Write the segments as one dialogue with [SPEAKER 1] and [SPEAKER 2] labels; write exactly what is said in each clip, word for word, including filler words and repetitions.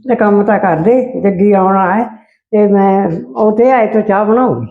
[SPEAKER 1] ਤੇ ਕੰਮ ਤਾਂ ਕਰ ਦੇ, ਜੱਗੀ ਆਉਣਾ ਹੈ ਤੇ ਮੈਂ ਉਹ ਤੇ ਆਏ ਤੋਂ ਚਾਹ ਬਣਾਉਂਗੀ।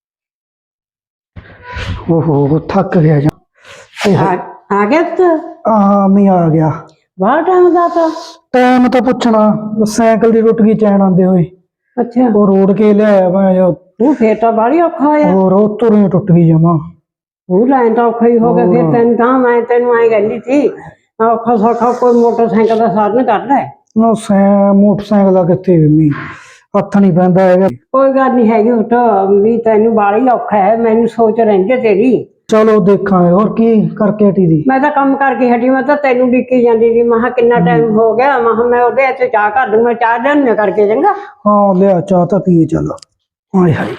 [SPEAKER 2] ओहो थक गया जा।
[SPEAKER 1] आ, आ गया तो
[SPEAKER 2] हाँ मैं आ गया।
[SPEAKER 1] बाहर टाइम का था
[SPEAKER 2] टाइम तो पूछना साइकिल दी टुट गई चैन आंदे हुए।
[SPEAKER 1] अच्छा
[SPEAKER 2] वो रोड के लिया मैं जो
[SPEAKER 1] तू फिर तो बड़ी औखा होया
[SPEAKER 2] और उतों ही टुट गई जमा।
[SPEAKER 1] तू लाइन तो औखा ही हो गया फिर तेन कहा मैं तेन आई कहती थी औखा सौखा कोई मोटरसाइकिल का साधन कर ले।
[SPEAKER 2] ना सै मोटरसाइकिल का कितने भी हथ नहीं पैंदा है।
[SPEAKER 1] कोई गल नहीं हैगी उठ भी तेन बाली औखा है मैनू सोच रही तेरी।
[SPEAKER 2] चलो देखा और की करके हटी दी।
[SPEAKER 1] मैं तो कम करके हटी मैं तो तेनू डिकी जाती थी मैं कितना टाइम हो गया मैं मैं ओदे इत्थे चाह कर दूं मैं चाह लिया करके चंगा।
[SPEAKER 2] हाँ लिया चाह तो पिए चलो। हाय हाय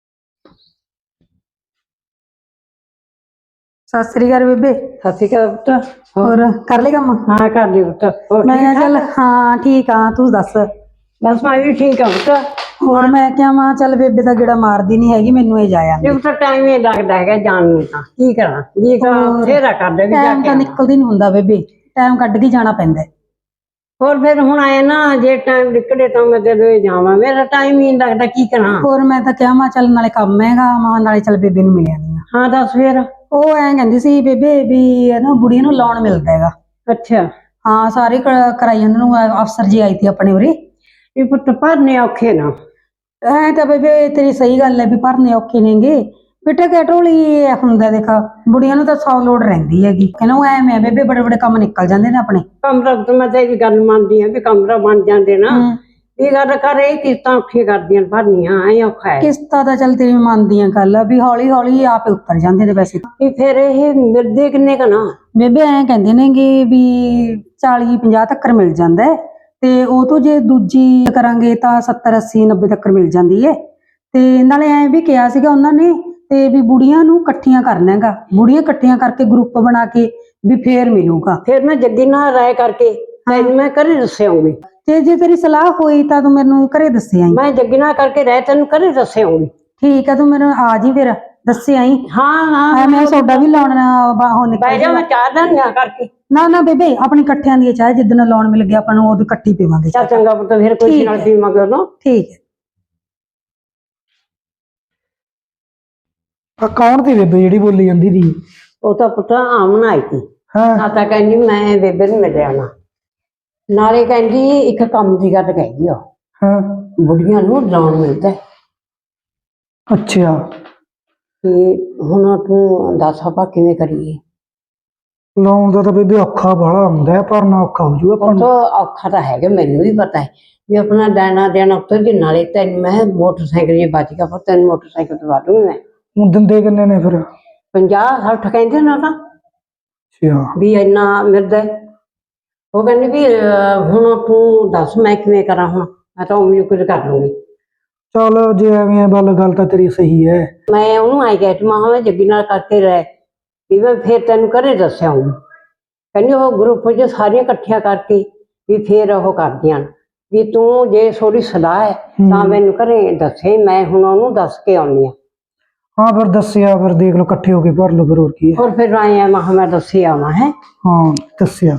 [SPEAKER 3] सत श्री अकाल बेबे।
[SPEAKER 1] सत श्री अकाल पुत्त
[SPEAKER 3] और कर ले काम?
[SPEAKER 1] हाँ कर ली पुत्त
[SPEAKER 3] मैं चल हाँ ठीक हाँ तू दस।
[SPEAKER 1] बस मैं भी ठीक हाँ पुत्त।
[SPEAKER 3] और मैं क्या मां चल बेबे का गेड़ा मारदी नहीं हैगी मैनू ही जाया
[SPEAKER 1] तो टाइम ही लगता है जान में तां की करा जी तो फेरा कर दे
[SPEAKER 3] टाइम तो निकलदी नहीं हुंदा बेबे टाइम कढ के जाना पैंदा।
[SPEAKER 1] और फिर हुण आए ना जे टाइम निकले तो मैं तेरे जावां मेरा टाइम ही नहीं लगता की करा।
[SPEAKER 3] और मैं तो क्या मां चल नाले काम हैगा मां नाले चल बेबे नूं मिल आंदी हां।
[SPEAKER 1] हाँ दस फिर
[SPEAKER 3] ਉਹ ਐਂ ਕਹਿੰਦੀ ਸੀ ਬੇਬੇ ਵੀ ਨਾ ਬੁੜੀਆਂ ਨੂੰ ਲੋਨ ਮਿਲਦਾ ਹੈਗਾ।
[SPEAKER 1] ਅੱਛਾ
[SPEAKER 3] ਹਾਂ ਸਾਰੇ ਕਰਾਈ ਉਹਨਾਂ ਨੂੰ ਅਫਸਰ ਜੀ ਆਈ ਸੀ ਆਪਣੇ ਉਰੇ
[SPEAKER 1] ਇਹ ਪੁੱਤ ਭਰਨੇ ਔਖੇ ਨਾ।
[SPEAKER 3] ਐ ਤਾਂ ਬੇਬੇ ਤੇਰੀ ਸਹੀ ਗੱਲ ਹੈ ਵੀ ਭਰਨੇ ਔਖੇ ਨੇਗੇ ਬੇਟਾ ਕੈਟਰੋਲ ਹੀ ਹੁੰਦਾ ਦੇਖ ਬੁੜੀਆਂ ਨੂੰ ਤਾਂ ਸੌ ਲੋੜ ਰਹਿੰਦੀ ਹੈਗੀ ਕਹਿੰਦਾ ਉਹ ਐਵੇਂ ਬੇਬੇ ਬੜੇ ਬੜੇ ਕੰਮ ਨਿਕਲ ਜਾਂਦੇ ਨੇ ਆਪਣੇ।
[SPEAKER 1] ਕਮਰਾ ਤਾਂ ਮੈਂ ਤੇਰੀ ਗੱਲ ਮੰਨਦੀ ਹਾਂ ਵੀ ਕਮਰਾ ਬਣ ਜਾਂਦੇ ਨਾ ਇਹ ਗੱਲ ਕਰ ਇਹ ਕਿਸ਼ਤਾਂ ਔਖੀਆਂ ਕਰਦੀਆਂ ਭਰਨੀਆਂ ਐ ਔਖਾ ਹੈ।
[SPEAKER 3] ਕਿਸ਼ਤਾਂ ਤਾਂ ਚੱਲ ਤੇਰੀ ਮੰਨਦੀ ਆ ਗੱਲ ਵੀ ਹੌਲੀ ਹੌਲੀ ਆਪੇ ਉੱਤਰ ਜਾਂਦੇ ਨੇ ਵੈਸੇ
[SPEAKER 1] ਵੀ ਫਿਰ ਇਹ ਮਿਲਦੇ ਕਿੰਨੇ ਕ ਨਾ
[SPEAKER 3] ਬੇਬੇ ਐਂ ਕਹਿੰਦੇ ਨੇਗੇ ਵੀ ਚਾਲੀ ਪੰਜਾਹ ਤੱਕ ਮਿਲ ਜਾਂਦਾ ਹੈ ਤੇ ਉਹ ਤੋਂ ਜੇ ਦੂਜੀ ਕਰਾਂਗੇ ਤਾਂ ਸੱਤਰ ਅੱਸੀ ਨੱਬੇ ਤੱਕ ਮਿਲ ਜਾਂਦੀ ਹੈ ਤੇ ਨਾਲੇ ਐਂ ਵੀ ਕਿਹਾ ਸੀਗਾ ਉਹਨਾਂ ਨੇ ਤੇ ਵੀ ਬੁੜੀਆਂ ਨੂੰ ਇਕੱਠੀਆਂ ਕਰਨਾ ਹੈਗਾ ਬੁੜੀਆਂ ਇਕੱਠੀਆਂ ਕਰਕੇ ਗਰੁੱਪ ਬਣਾ ਕੇ ਵੀ ਫੇਰ ਮਿਲੂਗਾ।
[SPEAKER 1] ਫਿਰ ਮੈਂ ਜੱਗੀ ਨਾਲ ਰਾਏ ਕਰਕੇ ਤੈਨੂੰ ਮੈਂ ਘਰੇ ਦੱਸਿਆਉਂਗੀ
[SPEAKER 3] ਤੇ ਜੇ ਤੇਰੀ ਸਲਾਹ ਹੋਈ ਤਾਂ ਤੂੰ ਮੈਨੂੰ ਘਰੇ ਦੱਸਿਆ ਆਈ।
[SPEAKER 1] ਮੈਂ ਜੱਗੀ ਨਾਲ ਕਰਕੇ ਰਾਏ ਤੈਨੂੰ ਘਰੇ ਦੱਸਿਆਉਂਗੀ।
[SPEAKER 3] ਠੀਕ ਹੈ ਤੂੰ ਮੈਨੂੰ ਆ ਜੀ ਫਿਰ ਦੱਸਿਆ ਆਈ।
[SPEAKER 1] ਹਾਂ ਹਾਂ
[SPEAKER 3] ਮੈਂ ਸੋਡਾ ਵੀ ਲਾਉਣਾ ਉਹ ਨਿਕਲ
[SPEAKER 1] ਬਹਿ ਜਾ ਮੈਂ ਚਾਹ ਦਿਆਂ ਕਰਕੇ।
[SPEAKER 3] ਨਾ ਨਾ ਬੇਬੇ ਆਪਣੀ ਇਕੱਠਿਆਂ ਦੀ ਚਾਹ ਜਿੱਦਣ ਲਾਉਣ ਮਿਲ ਗਿਆ ਆਪਾਂ ਨੂੰ ਉਦੋਂ ਇਕੱਠੀ ਪੀਵਾਂਗੇ।
[SPEAKER 1] ਚੱਲ ਚੰਗਾ ਪੁੱਤ ਫਿਰ ਕੋਈ ਨਾਲ ਪੀਵਾਂਗੇ ਉਦੋਂ।
[SPEAKER 3] ਠੀਕ ਹੈ।
[SPEAKER 2] आ कौन थी बेबे जेडी बोली जांदी थी?
[SPEAKER 1] ਉਹ ਤਾਂ ਪੁੱਤ ਆਮਨ ਆਈ ਸੀ।
[SPEAKER 2] हाँ
[SPEAKER 1] ਨਾ ਤਾਂ ਕਹਿੰਦੀ ਮੈਂ ਬੇਬੇ ਨੂੰ ਮਿਲਿਆ ਨਾ ਨਾਲੇ ਕਹਿੰਦੀ ਇੱਕ ਕੰਮ ਦੀ ਗੱਲ ਕਹਿੰਦੀ ਉਹ
[SPEAKER 2] हाँ
[SPEAKER 1] ਬੁੜੀਆਂ ਨੂੰ ਲੋਨ ਮਿਲਦਾ
[SPEAKER 2] अच्छा
[SPEAKER 1] ਤੇ ਹੁਣ ਤੂੰ ਦੱਸ ਆਪਾਂ ਕਿਵੇਂ ਕਰੀਏ।
[SPEAKER 2] लोन का तो बेबे औखा बड़ा हुंदा है भरना औखा हो जूगा
[SPEAKER 1] ਉਹ ਤਾਂ ਔਖਾ ਤਾਂ ਹੈਗਾ ਮੈਨੂੰ ਵੀ ਪਤਾ ਹੈ ਵੀ ਆਪਣਾ ਦੇਣਾ ਦੇਣਾ ਉੱਤੇ ਦੀ ਨਾਲੇ ਤੈਨੂੰ ਮੈਂ ਮੋਟਰਸਾਈਕਲ ਜੇ ਬਚ ਗਿਆ ਪਰ ਤੈਨੂੰ ਮੋਟਰਸਾਈਕਲ ਦਵਾ ਦੂੰਗੀ ਮੈਂ।
[SPEAKER 2] ਹੁਣ ਦਿੰਦੇ ਕਿੰਨੇ ਨੇ ਫਿਰ?
[SPEAKER 1] ਪੰਜਾਹ ਸੱਠ ਕਹਿੰਦੇ ਨਾ ਤਾਂ
[SPEAKER 2] ਅੱਛਾ
[SPEAKER 1] ਵੀ ਇੰਨਾ ਮਿਲਦਾ ਉਹ ਕਹਿੰਦੀ ਵੀ ਹੁਣ ਤੂੰ ਦੱਸ ਮੈਂ ਕਿਵੇਂ ਕਰਾਂ ਹੁਣ ਮੈਂ ਤਾਂ ਉਮੀਦ ਕੁਝ ਕਰ ਲੂੰਗੀ।
[SPEAKER 2] ਚਲ ਜੇ ਐਵੇਂ ਗੱਲ ਗੱਲ ਤਾਂ ਤੇਰੀ ਸਹੀ ਹੈ।
[SPEAKER 1] ਮੈਂ ਉਹਨੂੰ ਆਈ ਗਿਆ ਮਾਂ ਮੈਂ ਜੱਗੀ ਨਾਲ ਕਰਕੇ ਰਹਿ ਵੀ ਮੈਂ ਫਿਰ ਤੈਨੂੰ ਘਰੇ ਦੱਸਿਆਉਂਗੀ। ਕਹਿੰਦੀ ਉਹ ਗਰੁੱਪ 'ਚ ਸਾਰੀਆਂ ਇਕੱਠੀਆਂ ਕਰਕੇ ਵੀ ਫਿਰ ਉਹ ਕਰਦੀਆਂ ਵੀ ਤੂੰ ਜੇ ਥੋੜੀ ਸਲਾਹ ਹੈ ਤਾਂ ਮੈਨੂੰ ਘਰੇ ਦੱਸੇ ਮੈਂ ਹੁਣ ਉਹਨੂੰ ਦੱਸ ਕੇ ਆਉਣੀ ਆ।
[SPEAKER 2] हाँ फिर दसिया फिर देख लो इकट्ठे होके भर लो फिर और की है।
[SPEAKER 1] और फिर आए हैं महा मैं दसे आवा है।
[SPEAKER 2] हाँ दसिया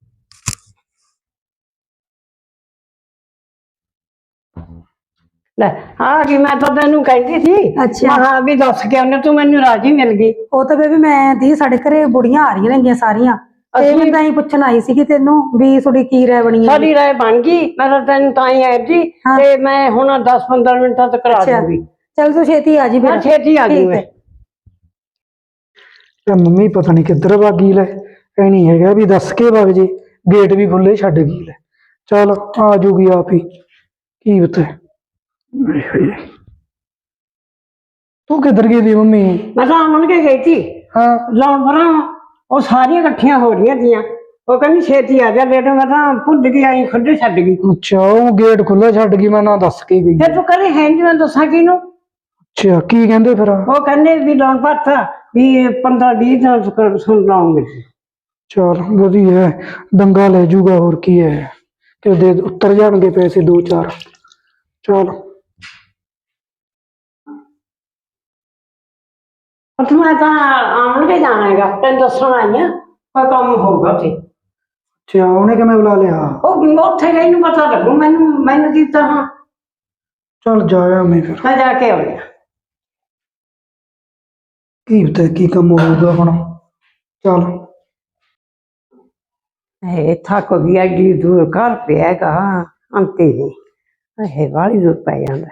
[SPEAKER 1] ले आ गई मैं तो तेनू कहती थी।
[SPEAKER 3] अच्छा
[SPEAKER 1] हाँ भी दस के आने तू मैनू राजी मिल गई।
[SPEAKER 3] ਉਹ ਤਾਂ ਬੇਬੇ ਮੈਂ ਦੀ ਸਾਡੇ ਘਰੇ ਬੁੜੀਆਂ ਆ ਰਹੀਆਂ ਨੇਗੀਆਂ ਸਾਰੀਆਂ ਤੇ ਮੈਂ ਤਾਂ ਹੀ ਪੁੱਛਣ ਆਈ ਸੀ ਕਿ ਤੈਨੂੰ ਵੀ ਤੁਹਾਡੀ ਕੀ ਰਾਏ ਬਣੀ ਹੈ।
[SPEAKER 1] सारी राय बन गई मैं तो तेन ताई आई थी ते मैं हुण दस पंद्रह मिनट तक करा दूंगी।
[SPEAKER 3] चल तू छेती आ जी फिर।
[SPEAKER 1] छेती आ गई मैं।
[SPEAKER 2] मम्मी पता नहीं किधर भागी ले ऐ नहीं है भी दस के वग जे गेट भी खुले छड़ गई ले चल आ जूगी आप ही की बता। तू किधर गई थी मम्मी?
[SPEAKER 1] मैं तो आमन के गई थी।
[SPEAKER 2] हाँ
[SPEAKER 1] लाउन भरा वो सारी इकट्ठियां हो रही थी वो कहनी छेती आ जा लेट मैं तो भुल गई आई खुद छड़ गई।
[SPEAKER 2] अच्छा वो गेट खुला छड़ गई मैं ना दस के गई।
[SPEAKER 1] फिर तू करे है नहीं मैं दसा किनू।
[SPEAKER 2] अच्छा की कहंदे फिर?
[SPEAKER 1] वो कहने भी लोन भरता भी पंद्रह बीस दिन सुन लोन मिल।
[SPEAKER 2] चल वधिया दंगा ले जूगा और की है कि दे उतर जाएंगे पैसे दो चार। चल
[SPEAKER 1] मैं तो आमन के जाना है तेन दसन आई हाँ कोई कम होगा।
[SPEAKER 2] ਅੱਛਾ ਉਹਨੇ ਕਿਵੇਂ ਬੁਲਾ ਲਿਆ?
[SPEAKER 1] ਉਹ ਉੱਥੇ ਗਈ ਨੂੰ ਪਤਾ ਲੱਗੂ ਮੈਨੂੰ ਮੈਨੂੰ ਕੀ ਤਾਂ ਹੁਣ
[SPEAKER 2] ਚੱਲ ਜਾਇਆ ਮੈਂ ਫਿਰ,
[SPEAKER 1] ਮੈਂ ਜਾ ਕੇ ਆਉਣੀ ਆ।
[SPEAKER 2] ਕੀ ਪਤਾ ਕੀ ਕੰਮ ਹੋਊਗਾ ਹੁਣ। ਚੱਲ
[SPEAKER 1] ਇਹ ਥੱਕ ਗਈ ਐਡੀ ਦੂਰ ਘਰ ਪਿਆਗਾ ਅੰਤੇ ਨਹੀਂ ਇਹ ਵਾਲੀ ਦੂਰ ਪੈ ਜਾਂਦਾ।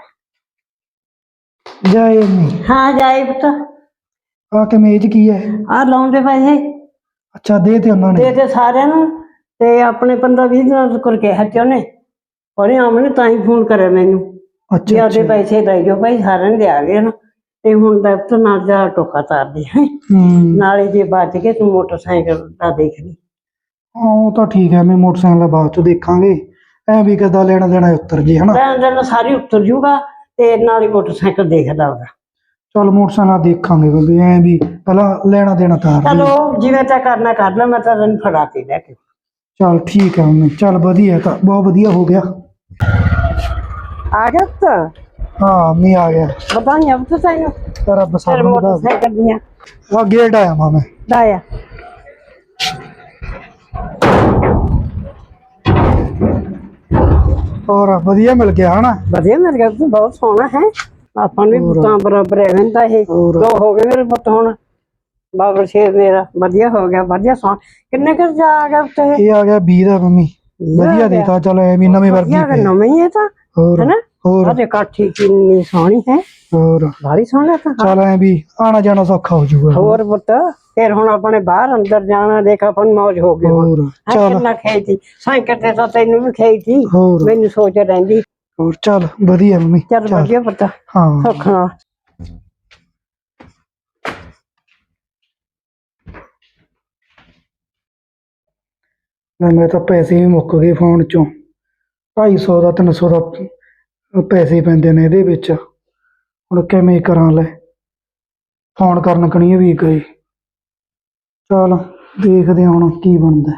[SPEAKER 2] ਜਾਏ ਨਹੀਂ
[SPEAKER 1] ਹਾਂ ਜਾਏ ਪੁੱਤ
[SPEAKER 2] ਆ ਕੇ ਮੇਜ ਕੀ ਹੈ?
[SPEAKER 1] ਆ ਲਾਉਂਦੇ ਪੈਸੇ
[SPEAKER 2] ਅੱਛਾ ਦੇ ਤੇ ਉਹਨਾਂ
[SPEAKER 1] ਦੇ
[SPEAKER 2] ਨੇ।
[SPEAKER 1] ਤੇ ਸਾਰਿਆਂ ਨੂੰ ਤੇ ਆਪਣੇ ਪੰਦਰਾਂ ਵੀਹ ਦਿਨਾਂ ਤੋਂ ਕਰਕੇ ਹੱਥ ਉਹਨੇ ਉਹਨੇ ਆਮਨੇ ਤਾਂ ਹੀ ਫੋਨ ਕਰਿਆ ਮੈਨੂੰ ਵੀ
[SPEAKER 2] ਅੱਛਾ
[SPEAKER 1] ਆਪਦੇ
[SPEAKER 2] ਅੱਛਾ
[SPEAKER 1] ਪੈਸੇ ਲੈ ਜਾਓ ਭਾਈ ਸਾਰਿਆਂ ਦੇ ਆ ਗਏ ਨਾ ਤੇ ਹੁਣ ਦਫ਼ਤਰ ਨਾਲ ਜਾ ਟੋਕਾ ਤਾਰਦੇ ਹੈ
[SPEAKER 2] ਹੂੰ
[SPEAKER 1] ਨਾਲੇ ਜੇ ਬਚ ਕੇ ਤੂੰ ਮੋਟਰਸਾਈਕਲ ਦਾ ਦੇਖ ਲਈ।
[SPEAKER 2] ਹਾਂ ਉਹ ਤਾਂ ਠੀਕ ਹੈ, ਮੈਂ ਮੋਟਰਸਾਈਕਲ ਦਾ ਬਾਅਦ ਚ ਦੇਖਾਂਗੇ। ਐ ਵੀ ਕਿੱਦਾਂ ਲੈਣਾ ਦੇਣਾ ਉੱਤਰ ਜੇ ਹਨਾ।
[SPEAKER 1] ਲੈਣ ਦੇਣ ਸਾਰੀ ਉਤਰ ਜੂਗਾ ਤੇ ਨਾਲ ਹੀ ਮੋਟਰਸਾਈਕਲ ਦੇਖਦਾ ਉਹਦਾ।
[SPEAKER 2] ਚੱਲ ਮੋਟਰਸਾਈਕਲ ਦੇਖਾਂਗੇ ਬੰਦੇ, ਐ ਵੀ ਪਹਿਲਾਂ ਲੈਣਾ ਦੇਣਾ ਤਾਰ ਲਈਏ।
[SPEAKER 1] ਚਲੋ ਜਿਵੇਂ ਤਾਂ ਕਰਨਾ ਕਰ ਲੈ ਮੈਂ ਤਾਂ ਤੈਨੂੰ ਫੜਾ ਕੇ ਲੈ ਕੇ।
[SPEAKER 2] ਚੱਲ ਠੀਕ ਹੈ ਮੰਮੀ, ਚੱਲ ਵਧੀਆ ਤਾਂ ਬਹੁਤ ਵਧੀਆ ਹੋ ਗਿਆ।
[SPEAKER 1] ਆ ਗਿਆ ਤਾਂ
[SPEAKER 2] ਹਾਂ ਮੈਂ ਆ ਗਿਆ।
[SPEAKER 1] ਬਤਾਈਆਂ ਪੁੱਤ ਤੈਨੂੰ
[SPEAKER 2] ਤੇਰਾ
[SPEAKER 1] ਫਿਰ
[SPEAKER 2] ਬਸਾਰ ਦਾ
[SPEAKER 1] ਮੋਟਰਸਾਈਕਲ ਦੀਆਂ
[SPEAKER 2] ਆ ਗੇਟ ਆਇਆ ਮਾਂ ਮੈਂ।
[SPEAKER 1] ਲਾਇਆ
[SPEAKER 2] ਹੋਰ ਵਧੀਆ ਮਿਲ ਗਿਆ ਹਨਾ।
[SPEAKER 1] ਵਧੀਆ ਮਿਲ ਗਿਆ ਤੂੰ ਬਹੁਤ ਸੋਹਣਾ ਹੈ ਆਪਾਂ ਨੂੰ ਵੀ ਪੁੱਤਾਂ ਬਰਾਬਰ ਹੈ ਵੰਦਾ ਇਹ
[SPEAKER 2] ਹੋਰ।
[SPEAKER 1] ਦੋ ਹੋ ਗਏ ਮੇਰੇ ਪੁੱਤ ਹੁਣ ਬਾਬਰ ਸ਼ੇਰ ਮੇਰਾ ਵਧੀਆ ਹੋ ਗਿਆ ਵਧੀਆ ਸੋਹਣਾ। ਕਿੰਨੇ ਕੁ ਜਾ ਆ ਗਿਆ ਉੱਤੇ
[SPEAKER 2] ਇਹ ਆ ਗਿਆ ਵੀਹ ਦਾ ਮੰਮੀ, ਵਧੀਆ ਦੇਤਾ। ਚਲ ਐ ਵੀ ਨਵੇਂ ਵਰਗੀ
[SPEAKER 1] ਵਧੀਆ
[SPEAKER 2] ਪਈ।
[SPEAKER 1] ਨਵੇਂ ਹੀ ਹੈ ਤਾਂ
[SPEAKER 2] ਹੋਰ
[SPEAKER 1] ਹੈਨਾ
[SPEAKER 2] ਹੋਰ
[SPEAKER 1] ਆਹ ਕਾਠੀ ਕਿੰਨੀ ਸੋਹਣੀ ਹੈ
[SPEAKER 2] ਹੋਰ
[SPEAKER 1] ਬਾਹਲੀ ਸੋਹਣਾ ਤਾਂ
[SPEAKER 2] ਚੱਲ ਐ ਵੀ ਆਣਾ ਜਾਣਾ ਸੌਖਾ ਹੋ ਜਾਊਗਾ।
[SPEAKER 1] ਹੋਰ ਪੁੱਤ ਫਿਰ ਹੁਣ ਆਪਣੇ ਬਾਹਰ ਅੰਦਰ ਜਾਣਾ ਦੇਖ ਆਪਾਂ ਨੂੰ ਮੌਜ ਹੋ ਗਈ ਹੁਣ।
[SPEAKER 2] ਹੋਰ
[SPEAKER 1] ਹੈਂ,
[SPEAKER 2] ਚੱਲ
[SPEAKER 1] ਕਿੰਨਾ ਖਾਈ ਸੀ ਸਾਈਕਲ ਤੇ ਤਾਂ ਤੈਨੂੰ ਵੀ ਖਾਈ ਸੀ
[SPEAKER 2] ਹੋਰ
[SPEAKER 1] ਮੈਨੂੰ ਸੋਚ ਰਹਿੰਦੀ।
[SPEAKER 2] ਹੋਰ ਚੱਲ ਵਧੀਆ ਮੰਮੀ।
[SPEAKER 1] ਚੱਲ ਵਧੀਆ ਪੁੱਤ
[SPEAKER 2] ਹਾਂ
[SPEAKER 1] ਸੁੱਖ ਨਾਲ।
[SPEAKER 2] ਮੈਂ ਤਾਂ ਪੈਸੇ ਵੀ ਮੁੱਕ ਗਏ ਫੋਨ ਚੋਂ। ਢਾਈ ਸੌ ਦਾ ਤਿੰਨ ਸੌ ਦਾ ਪੈਸੇ ਪੈਂਦੇ ਨੇ ਇਹਦੇ ਵਿੱਚ। ਹੁਣ ਕਿਵੇਂ ਕਰਾਂ ਲੈ, ਫੋਨ ਕਰਨ ਕਣੀ ਵੀ ਗਏ। ਚਲ ਦੇਖਦੇ ਹਾਂ ਹੁਣ ਕੀ ਬਣਦਾ।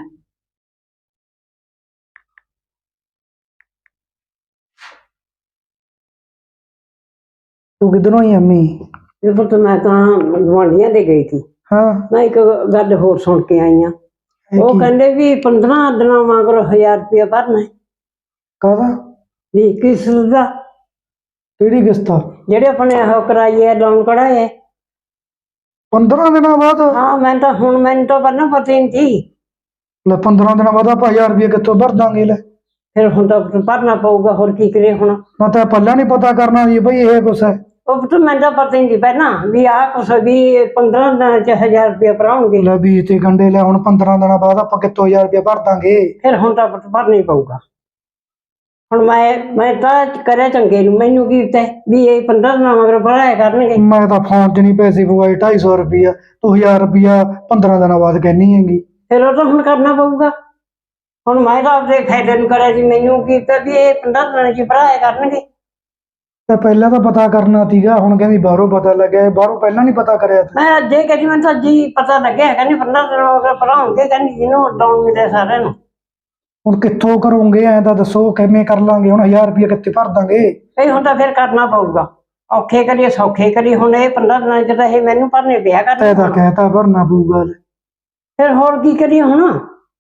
[SPEAKER 2] ਤੂੰ ਕਿੱਧਰੋਂ ਆਈ ਅੰਮੀ?
[SPEAKER 1] ਇਹ ਪੁੱਤ ਮੈਂ ਤਾਂ ਗੁਆਂਢੀਆਂ ਦੇ ਗਈ ਸੀ।
[SPEAKER 2] ਹਾਂ
[SPEAKER 1] ਮੈਂ ਇੱਕ ਗੱਲ ਹੋਰ ਸੁਣ ਕੇ ਆਈ ਆ।
[SPEAKER 2] ਇਹ
[SPEAKER 1] ਉਹ
[SPEAKER 2] ਕੀ?
[SPEAKER 1] ਕਹਿੰਦੇ ਵੀ ਪੰਦਰਾਂ ਦਿਨਾਂ ਮਗਰ ਹਜ਼ਾਰ ਰੁਪਇਆ ਭਰਨਾ ਹੈ।
[SPEAKER 2] ਕਾਹਦਾ?
[SPEAKER 1] ਵੀ ਕਿਸ ਦਾ
[SPEAKER 2] ਕਿਹੜੀ ਕਿਸ਼ਤ ਆ?
[SPEAKER 1] ਜਿਹੜੇ ਆਪਣੇ ਉਹ ਕਰਾਈ ਹੈ ਲੋਨ ਕਢਾਏ।
[SPEAKER 2] ਪੰਦਰਾਂ ਦਿਨਾਂ ਬਾਅਦ?
[SPEAKER 1] ਹਾਂ ਮੈਂ ਤਾਂ ਹੁਣ ਮੈਨੂੰ ਤਾਂ ਪਹਿਲਾਂ ਪਤਾ ਹੀ ਨਹੀਂ ਸੀ।
[SPEAKER 2] ਲੈ ਪੰਦਰਾਂ ਦਿਨਾਂ ਬਾਅਦ ਆਪਾਂ ਹਜ਼ਾਰ ਰੁਪਏ ਕਿੱਥੋਂ ਭਰ ਦਾਂਗੇ? ਲੈ
[SPEAKER 1] ਫਿਰ ਹੁਣ ਤਾਂ ਭਰਨਾ ਪਊਗਾ ਹੋਰ ਕੀ ਕਰੇ ਹੁਣ।
[SPEAKER 2] ਮੈਂ ਤਾਂ ਪਹਿਲਾਂ ਨਹੀਂ ਪਤਾ ਕਰਨਾ ਜੀ ਬਈ ਇਹ ਕੁਛ ਹੈ।
[SPEAKER 1] ਉਹ ਪੁੱਤ ਮੈਨੂੰ ਤਾਂ ਪਤਾ ਹੀ ਨਹੀਂ ਸੀ ਪਹਿਲਾਂ ਵੀ ਆਹ ਕੁਛ ਵੀ ਪੰਦਰਾਂ ਦਿਨਾਂ ਚ ਹਜ਼ਾਰ ਰੁਪਇਆ ਭਰਾਉਣਗੇ।
[SPEAKER 2] ਲੈ ਵੀਹ ਤੇ ਗੰਡੇ ਲੈ, ਹੁਣ ਪੰਦਰਾਂ ਦਿਨਾਂ ਬਾਅਦ ਆਪਾਂ ਕਿੱਥੋਂ ਹਜ਼ਾਰ ਰੁਪਏ ਭਰ ਦਾਂਗੇ?
[SPEAKER 1] ਫਿਰ ਹੁਣ ਤਾਂ ਪੁੱਤ ਭਰਨਾ ਹੀ ਪਊਗਾ। ਹੁਣ ਮੈਂ ਮੈਂ ਤਾਂ ਕਰਿਆ ਚੰਗੇ ਨੂੰ ਮੈਨੂੰ ਕੀ ਪਤਾ ਵੀ ਇਹ ਪੰਦਰਾਂ ਦਿਨਾਂ ਮਗਰ ਭਰਾਇਆ ਕਰਨਗੇ।
[SPEAKER 2] ਮੈਂ ਤਾਂ ਫੋਨ 'ਚ ਨਹੀਂ ਪੈਸੇ ਪਵਾਏ ਢਾਈ ਸੌ ਰੁਪਈਆ, ਤੂੰ ਹਜ਼ਾਰ ਰੁਪਈਆ ਪੰਦਰਾਂ ਦਿਨਾਂ ਬਾਅਦ ਕਹਿਨੀ ਹੈਗੀ।
[SPEAKER 1] ਫਿਰ ਉਹ ਤਾਂ ਹੁਣ ਕਰਨਾ ਪਊਗਾ। ਹੁਣ ਮੈਂ ਤਾਂ ਆਪਦੇ ਫਾਇਦੇ ਨੂੰ ਕਰਿਆ ਸੀ ਮੈਨੂੰ ਕੀ ਪਤਾ ਵੀ ਇਹ ਪੰਦਰਾਂ ਦਿਨਾਂ ਚ ਭਰਾਇਆ ਕਰਨਗੇ।
[SPEAKER 2] ਤਾਂ ਪਹਿਲਾਂ ਤਾਂ ਪਤਾ ਕਰਨਾ ਸੀਗਾ, ਹੁਣ ਕਹਿੰਦੀ ਬਾਹਰੋਂ ਪਤਾ ਲੱਗਿਆ। ਬਾਹਰੋਂ ਪਹਿਲਾਂ ਨਹੀਂ ਪਤਾ ਕਰਿਆ ਤੂੰ?
[SPEAKER 1] ਮੈਂ ਅੱਜੇ ਕਹਿੰਦੀ ਮੈਨੂੰ ਤਾਂ ਜੀ ਪਤਾ ਲੱਗਿਆ ਕਹਿੰਦੀ ਪੰਦਰਾਂ ਦਿਨਾਂ ਮਗਰ ਭਰਾਉਣਗੇ ਕਹਿੰਦੀ ਜਿਹਨੂੰ ਡਾਊਨ ਮਿਲਿਆ ਸਾਰਿਆਂ ਨੂੰ।
[SPEAKER 2] ਹੁਣ ਕਿੱਥੋਂ ਕਰੋਗੇ ਐਂ ਤਾਂ ਦੱਸੋ, ਕਿਵੇਂ ਕਰ ਲਾਂਗੇ? ਹੁਣ ਹਜ਼ਾਰ ਰੁਪਈਆ ਕਿੱਥੇ ਭਰ ਦਾਂਗੇ?
[SPEAKER 1] ਇਹ ਹੁਣ ਤਾਂ ਫਿਰ ਕਰਨਾ ਪਊਗਾ। ਔਖੇ ਕਰੀਏ ਸੌਖੇ ਕਰੀਏ ਹੁਣ ਇਹ ਪੰਦਰਾਂ ਦਿਨਾਂ ਚ ਤਾਂ ਇਹ ਮੈਨੂੰ ਭਰਨੇ ਪਿਆ
[SPEAKER 2] ਤੈ ਤਾਂ
[SPEAKER 1] ਕਰਨੇ।
[SPEAKER 2] ਕਹਿਤਾ ਭਰਨਾ ਪਊਗਾ।
[SPEAKER 1] ਫਿਰ ਹੋਰ ਕੀ ਕਰੀਏ ਹੁਣ।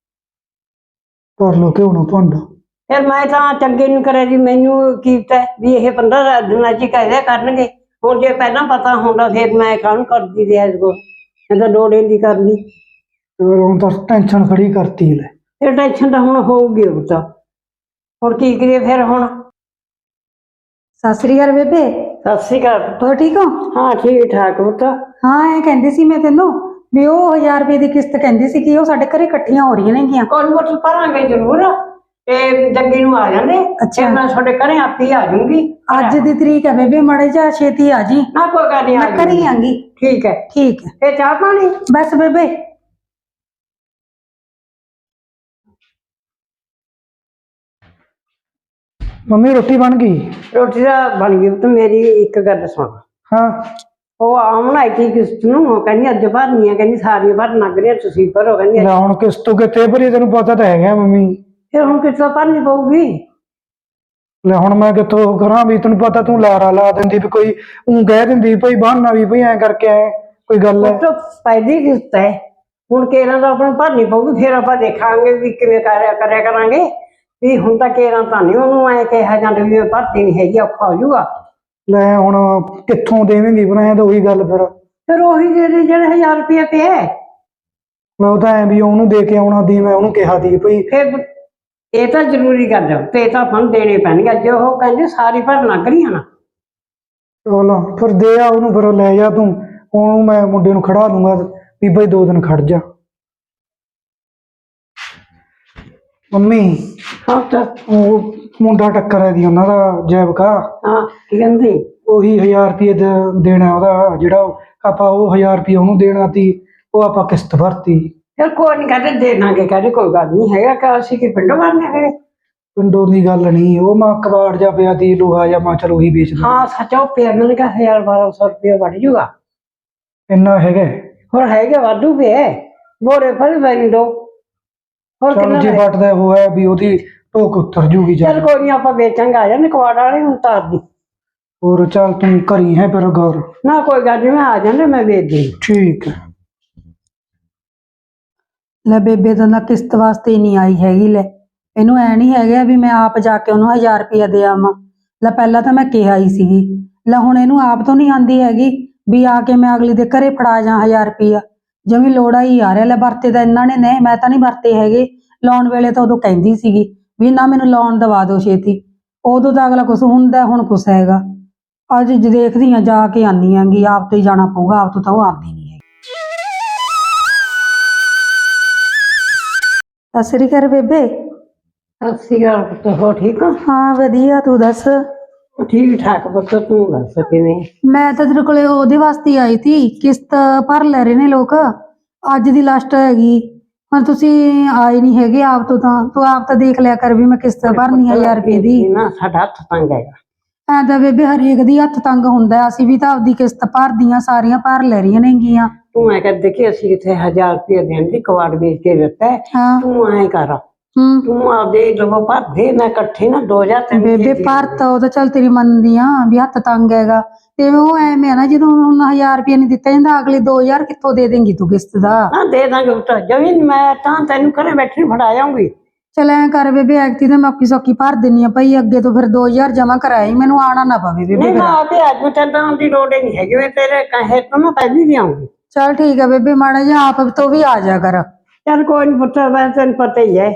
[SPEAKER 2] ਭਰ ਲੋ ਕਿਉਂ ਨਾ ਭੰਡ।
[SPEAKER 1] ਫਿਰ ਮੈਂ ਤਾਂ ਚੰਗੇ ਨੂੰ ਕਰਿਆ ਜੀ ਮੈਨੂੰ ਕੀ ਪਤਾ ਵੀ ਇਹ ਪੰਦਰਾਂ ਦਿਨਾਂ ਚ ਕਹਿ ਦਿਆ ਕਰਨਗੇ। ਹੁਣ ਜੇ ਪਹਿਲਾਂ ਪਤਾ ਹੁੰਦਾ ਫਿਰ ਮੈਂ ਕਾਹਨੂੰ ਕਰਦੀ ਰਿਹਾ ਇਸ ਕੋਲ ਮੈਂ ਤਾਂ ਲੋੜ ਦੀ ਕਰਦੀ।
[SPEAKER 2] ਫਿਰ ਹੁਣ ਤਾਂ ਟੈਨਸ਼ਨ ਖੜੀ ਕਰਤੀ ਲੈ।
[SPEAKER 1] ਫਿਰ ਟੈਨਸ਼ਨ ਤਾਂ ਹੁਣ ਹੋਊਗੀ ਉਹ ਤਾਂ ਹੁਣ ਕੀ ਕਰੀਏ ਫਿਰ ਹੁਣ।
[SPEAKER 3] ਸਤਿ ਸ੍ਰੀ ਅਕਾਲ ਬੇਬੇ।
[SPEAKER 1] ਸਤਿ ਸ਼੍ਰੀ ਅਕਾਲ।
[SPEAKER 3] ਹੋਰ ਠੀਕ ਹੋ?
[SPEAKER 1] ਹਾਂ ਠੀਕ ਠਾਕ ਪੁੱਤ।
[SPEAKER 3] ਹਾਂ ਇਹ ਕਹਿੰਦੀ ਸੀ ਮੈਂ ਤੈਨੂੰ ਵੀ ਉਹ ਹਜ਼ਾਰ ਰੁਪਏ ਦੀ ਕਿਸ਼ਤ ਕਹਿੰਦੀ ਸੀ ਕਿ ਉਹ ਸਾਡੇ ਘਰੇ ਇਕੱਠੀਆਂ ਹੋ ਰਹੀਆਂ ਨੇਗੀਆਂ।
[SPEAKER 1] ਕੋਈ ਮੋਟਰ ਭਰਾਂਗੇ ਜ਼ਰੂਰ ਤੇ ਜੱਗੀ ਨੂੰ ਆ ਜਾਂਦੇ।
[SPEAKER 3] ਅੱਛਾ।
[SPEAKER 1] ਮੈਂ ਤੁਹਾਡੇ ਘਰੇ ਆਪੇ ਹੀ ਆ ਜਾਊਂਗੀ।
[SPEAKER 3] ਅੱਜ ਦੀ ਤਰੀਕ ਹੈ ਬੇਬੇ, ਮਾੜੇ ਜਾ ਛੇਤੀ ਆ ਜੀ।
[SPEAKER 1] ਨਾ ਕੋਈ ਗੱਲ ਨਹੀਂ
[SPEAKER 3] ਮੈਂ ਘਰੇ ਹੀ ਆਂਗੀ।
[SPEAKER 1] ਠੀਕ ਹੈ
[SPEAKER 3] ਠੀਕ ਹੈ।
[SPEAKER 1] ਤੇ ਚਾਹ ਪਾਣੀ?
[SPEAKER 3] ਬਸ ਬੇਬੇ
[SPEAKER 2] ਮੰਮੀ ਰੋਟੀ ਬਣ ਗਈ?
[SPEAKER 1] ਰੋਟੀ ਦਾ ਬਣ ਗਈ ਤੇ ਮੇਰੀ ਇੱਕ ਗੱਲ ਸੁਣ।
[SPEAKER 2] ਹਾਂ
[SPEAKER 1] ਉਹ ਆਉਣ ਆਈ ਸੀ ਕਿਸ਼ਤ ਨੂੰ ਉਹ ਕਹਿੰਦੀ ਅੱਜ ਭਰਨੀ ਆ ਕਹਿੰਦੀ ਸਾਰੀਆਂ ਭਰਨ ਲੱਗ ਰਹੀਆਂ ਤੁਸੀਂ ਭਰੋ ਕਹਿੰਦੀ।
[SPEAKER 2] ਲੈ ਹੁਣ ਕਿਸ ਤੋਂ ਕਿੱਥੇ ਭਰੀ, ਤੈਨੂੰ ਪਤਾ ਤਾਂ ਹੈਗਾ ਮੰਮੀ।
[SPEAKER 1] ਫਿਰ ਹੁਣ ਕਿਸ਼ਤ ਭਰਨੀ ਪਊਗੀ।
[SPEAKER 2] ਲੈ ਹੁਣ ਮੈਂ ਕਿੱਥੋਂ ਕਰਾਂ ਵੀ, ਤੈਨੂੰ ਪਤਾ ਤੂੰ ਲਾਰਾ ਲਾ ਦਿੰਦੀ ਵੀ ਕੋਈ ਉਹ ਕਹਿ ਦਿੰਦੀ ਭਈ ਬਹਾਨਾ ਵੀ ਭਈ ਐਂ ਕਰਕੇ ਐ ਕੋਈ ਗੱਲ ਹੈ।
[SPEAKER 1] ਉਹ ਤਾਂ ਪਹਿਲੀ ਕਿਸ਼ਤ ਹੈ ਹੁਣ ਕੇਰਾਂ ਦਾ ਆਪਣਾ ਭਰਨੀ ਪਊਗੀ, ਫਿਰ ਆਪਾਂ ਦੇਖਾਂਗੇ ਵੀ ਕਿਵੇਂ ਕਰਿਆ ਕਰਿਆ ਕਰਾਂਗੇ। ਵੀ ਹੁਣ ਤਾਂ ਕੇਰਾਂ ਤਾਂ ਨਹੀਂ ਉਹਨੂੰ ਐ ਕਿਹਾ ਜਾਂਦਾ ਵੀ ਮੈਂ ਭਰਤੀ ਨਹੀਂ ਹੈਗੀ, ਔਖਾ ਹੋ ਜਾਊਗਾ।
[SPEAKER 2] ਲੈ ਹੁਣ ਕਿੱਥੋਂ ਦੇਵੇਂਗੀ ਬਣਾਇਆ ਤਾਂ ਉਹੀ ਗੱਲ ਫਿਰ।
[SPEAKER 1] ਫਿਰ ਉਹੀ ਦੇ ਦੇ ਜਿਹੜਾ ਹਜ਼ਾਰ ਰੁਪਇਆ ਪਿਆ ਹੈ।
[SPEAKER 2] ਮੈਂ ਉਹ ਤਾਂ ਐ ਵੀ ਉਹਨੂੰ ਦੇ ਕੇ ਆਉਣਾ ਦੀ, ਮੈਂ ਉਹਨੂੰ ਕਿਹਾ ਦੀ ਭਈ
[SPEAKER 1] ਫਿਰ ਇਹ ਤਾਂ ਜ਼ਰੂਰੀ ਗੱਲ ਹੈ, ਤੇ ਤਾਂ ਆਪਾਂ ਨੂੰ ਦੇਣੇ ਪੈਣਗੇ। ਜੇ ਉਹ ਕਹਿੰਦੇ ਸਾਰੀ ਭਰ ਲੱਗ ਰਹੀਆਂ ਨਾ,
[SPEAKER 2] ਚਲੋ ਫਿਰ ਦੇ ਆ ਉਹਨੂੰ, ਫਿਰ ਲੈ ਜਾ ਤੂੰ ਉਹਨੂੰ, ਮੈਂ ਮੁੰਡੇ ਨੂੰ ਖੜਾ ਦੂੰਗਾ ਵੀ ਬਈ ਦੋ ਦਿਨ ਖੜ ਜਾ। ਮੰਮੀ
[SPEAKER 1] ਹਾਂ ਤਾਂ
[SPEAKER 2] ਉਹ ਮੁੰਡਾ ਟੱਕਰ ਹੈ ਦੀ ਉਹਨਾਂ ਦਾ ਜੈਵਕਾ,
[SPEAKER 1] ਹਾਂ ਕੀ ਕਹਿੰਦੇ
[SPEAKER 2] ਉਹੀ ਹਜ਼ਾਰ ਰੁਪਏ ਦੇਣਾ ਉਹਦਾ, ਜਿਹੜਾ ਉਹ- ਆਪਾਂ ਉਹ ਹਜ਼ਾਰ ਰੁਪਏ ਉਹਨੂੰ ਦੇਣਾ ਤੀ, ਉਹ ਆਪਾਂ ਕਿਸ਼ਤ ਭਰਤੀ।
[SPEAKER 1] ਫਿਰ ਕੋਈ ਨਹੀਂ ਕਹਿੰਦੇ ਦੇ ਦਾਂਗੇ, ਕਹਿੰਦੇ ਕੋਈ ਗੱਲ ਨਹੀਂ ਹੈਗਾ ਕਿ ਅਸੀਂ ਕੀ ਪਿੰਡੋਂ ਮਾਰਨੇ ਹੈਗੇ।
[SPEAKER 2] ਪਿੰਡੋਂ ਦੀ ਗੱਲ ਨਹੀਂ, ਉਹ ਮਾਂ ਕਬਾੜ ਜਾ ਪਿਆ ਤੀ ਲੋਹਾ ਜਾਂ ਮਾਂ ਚਲ ਉਹੀ ਵੇਚ ਦੇ।
[SPEAKER 1] ਹਾਂ ਸੱਚ, ਉਹ ਪਿਆ ਮੈਨੂੰ ਕਿਹਾ ਹਜ਼ਾਰ ਬਾਰਾਂ ਸੌ ਰੁਪਇਆ ਵੱਢ ਜੂਗਾ।
[SPEAKER 2] ਇੰਨਾ ਹੈਗਾ?
[SPEAKER 1] ਹੋਰ ਹੈਗੇ ਵਾਧੂ ਪਿਆ, ਬੋਰੇ ਭਰ ਬੈਨ ਦੋ। ਹੋਰ
[SPEAKER 2] ਚਲ
[SPEAKER 1] ਕਿੰਨਾ
[SPEAKER 2] ਜੇ
[SPEAKER 1] ਲੈ-
[SPEAKER 2] ਵੱਟਦਾ ਹੋਇਆ ਵੀ ਉਹਦੀ ਢੋਕ ਉਤਰ ਜੂਗੀ ਜਾ।
[SPEAKER 1] ਚੱਲ ਕੋਈ ਨਹੀਂ, ਆਪਾਂ ਵੇਚਾਂਗੇ, ਆ ਜਾਂਦੇ ਕਵਾੜ ਵਾਲੇ ਨੂੰ ਤਾਰ ਦੀ।
[SPEAKER 2] ਹੋਰ ਚੱਲ ਤੂੰ ਘਰੀ ਹੈ ਫਿਰ ਗੌਰ।
[SPEAKER 1] ਨਾ ਕੋਈ ਗੱਲ ਨਹੀਂ, ਮੈਂ ਆ ਜਾਂਦਾ, ਮੈਂ ਵੇਚ ਦੇ।
[SPEAKER 2] ਠੀਕ ਹੈ।
[SPEAKER 3] ਲੈ ਬੇਬੇ ਤਾਂ ਨਾ ਕਿਸ਼ਤ ਵਾਸਤੇ ਹੀ ਨਹੀਂ ਆਈ ਹੈਗੀ। ਲੈ ਇਹਨੂੰ ਐ ਨਹੀਂ ਹੈਗਾ ਵੀ ਮੈਂ ਆਪ ਜਾ ਕੇ ਉਹਨੂੰ ਹਜ਼ਾਰ ਰੁਪਇਆ ਦੇ ਆਵਾਂ। ਲੈ ਪਹਿਲਾਂ ਤਾਂ ਮੈਂ ਕਿਹਾ ਹੀ ਸੀਗੀ, ਲੈ ਹੁਣ ਇਹਨੂੰ ਆਪ ਤੋਂ ਨਹੀਂ ਆਂਦੀ ਹੈਗੀ ਵੀ ਆ ਕੇ ਮੈਂ ਅਗਲੀ ਦੇ ਘਰੇ ਫੜਾ ਜਾ ਹਜ਼ਾਰ ਰੁਪਇਆ। ਜਿਵੇਂ ਲੋੜਾ ਹੀ ਆ ਰਿਹਾ। ਲੈ ਵਰਤੇ ਤਾਂ ਇਹਨਾਂ ਨੇ ਨੇ, ਮੈਂ ਤਾਂ ਨਹੀਂ ਵਰਤੇ ਹੈਗੇ। ਲਾਉਣ ਵੇਲੇ ਤਾਂ ਉਦੋਂ ਕਹਿੰਦੀ ਸੀਗੀ ਵੀ ਨਾ ਮੈਨੂੰ ਲੋਨ ਦਵਾ ਦਿਓ ਛੇਤੀ, ਉਦੋਂ ਤਾਂ ਅਗਲਾ ਕੁਛ ਹੁੰਦਾ, ਹੁਣ ਕੁਛ ਹੈਗਾ। ਅੱਜ ਜ ਦੇਖਦੀ ਆ, ਜਾ ਕੇ ਆਨੀ ਆਂਗੀ, ਆਪ ਤੋਂ ਹੀ ਜਾਣਾ ਪਊਗਾ, ਆਪ ਤੋਂ ਤਾਂ ਉਹ ਆਉਂਦੀ ਨਹੀਂ ਹੈਗੀ। ਸਤਿ ਸ੍ਰੀ ਅਕਾਲ ਬੇਬੇ।
[SPEAKER 1] ਸਤਿ ਸ਼੍ਰੀ ਅਕਾਲ ਪੁੱਤ, ਹੋ ਠੀਕ ਹੋ?
[SPEAKER 3] ਹਾਂ ਵਧੀਆ, ਤੂੰ ਦੱਸ।
[SPEAKER 1] ਠੀਕ ਠਾਕ ਪੁੱਤ, ਤੂੰ ਦੱਸ ਕਿਵੇਂ?
[SPEAKER 3] ਮੈਂ ਤਾਂ ਤੇਰੇ ਕੋਲੇ ਉਹਦੇ ਵਾਸਤੇ ਹੀ ਆਈ ਸੀ, ਕਿਸ਼ਤ ਭਰ ਲੈ ਰਹੇ ਨੇ ਲੋਕ, ਅੱਜ ਦੀ ਲਾਸਟ ਹੈਗੀ। ਹੁਣ ਤੁਸੀਂ ਆਏ ਨਹੀਂ ਹੈਗੇ ਆਪ ਤੋਂ, ਤਾਂ ਤੂੰ ਆਪ ਤਾਂ ਦੇਖ ਲਿਆ ਕਰ ਵੀ ਮੈਂ ਕਿਸ਼ਤ ਭਰਨੀ ਆ ਹਜ਼ਾਰ ਰੁਪਏ ਦੀ।
[SPEAKER 1] ਨਾ ਸਾਡਾ ਹੱਥ ਤੰਗ ਹੈਗਾ।
[SPEAKER 3] ਐਂ ਤਾਂ ਬੇਬੇ ਹਰੇਕ ਦੀ ਹੱਥ ਤੰਗ ਹੁੰਦਾ, ਅਸੀਂ ਵੀ ਤਾਂ ਆਪਦੀ ਕਿਸ਼ਤ ਭਰਦੀਆਂ, ਸਾਰੀਆਂ ਭਰ ਲੈ ਰਹੀਆਂ ਨੇਗੀਆਂ।
[SPEAKER 1] ਤੂੰ ਐ ਕਹਿੰਦੇ ਕਿ ਅਸੀਂ ਕਿਥੇ ਹਜ਼ਾਰ ਰੁਪਏ ਦੇਣ ਦੀ ਕਵਾੜ ਵੇਚ ਕੇ ਦਿੱਤਾ ਹੈ।
[SPEAKER 3] ਹਾਂ
[SPEAKER 1] ਤੂੰ ਐ ਕਰ,
[SPEAKER 3] ਹੂੰ
[SPEAKER 1] ਤੂੰ ਆਪਦੇ ਲਵੋ ਭਰ ਦੇ, ਮੈਂ ਇਕੱਠੇ ਨਾ ਦੋ ਹਜ਼ਾਰ ਤਿੰਨ
[SPEAKER 3] ਬੇਬੇ ਭਰਤਾ ਉਹ ਤਾਂ ਚੱਲ ਤੇਰੀ ਮੰਨਦੀ ਆ ਵੀ ਹੱਥ ਤੰਗ ਹੈਗਾ, ਤੇ ਉਹ ਐਵੇਂ ਆ ਨਾ ਜਦੋਂ ਹੁਣ ਹਜ਼ਾਰ ਰੁਪਏ ਨਹੀਂ ਦਿੱਤਾ ਜਾਂਦਾ, ਅਗਲੇ ਦੋ ਹਜ਼ਾਰ ਕਿੱਥੋਂ ਦੇ ਦੇਂਗੀ ਤੂੰ ਕਿਸ਼ਤ ਦਾ?
[SPEAKER 1] ਨਾ ਦੇ ਦਾਂਗੇ ਪੁੱਤ, ਜਮੀਨ ਮੈਂ ਤਾਂ ਤੈਨੂੰ ਘਰੇ ਬੈਠੀ ਫੜਾ ਜਾਊਂਗੀ।
[SPEAKER 3] ਚੱਲ ਐਂ ਕਰ ਬੇਬੇ, ਐਕਤੀ ਤਾਂ ਮੈਂ ਔਖੀ ਸੌਖੀ ਭਰ ਦਿੰਨੀ ਆ ਭਾਈ, ਅੱਗੇ ਤੋਂ ਫਿਰ ਦੋ ਹਜ਼ਾਰ ਜਮਾ ਕਰਾਈ, ਮੈਨੂੰ ਆਣਾ ਨਾ ਪਵੇ ਬੇਬੇ
[SPEAKER 1] ਨਹੀਂ
[SPEAKER 3] ਫਿਰ।
[SPEAKER 1] ਮੈਂ ਆਪੇ ਅੱਜ ਚੱਲਣ ਦੀ ਲੋੜ ਹੀ ਨਹੀਂ ਹੈਗੀ, ਮੈਂ ਤੇਰੇ ਕਹੇ ਤੋਂ ਮੈਂ ਪਹਿਲੀ ਵੀ ਆਉਂਗੀ।
[SPEAKER 3] ਚੱਲ ਠੀਕ ਹੈ ਬੇਬੇ, ਮਾੜਾ ਜਿਹਾ ਆਪ ਤੋਂ ਵੀ ਆ ਜਾ ਕਰ।
[SPEAKER 1] ਚੱਲ ਕੋਈ ਨੀ ਪੁੱਤ, ਮੈਂ ਤੈਨੂੰ ਪਤਾ ਹੀ ਹੈ।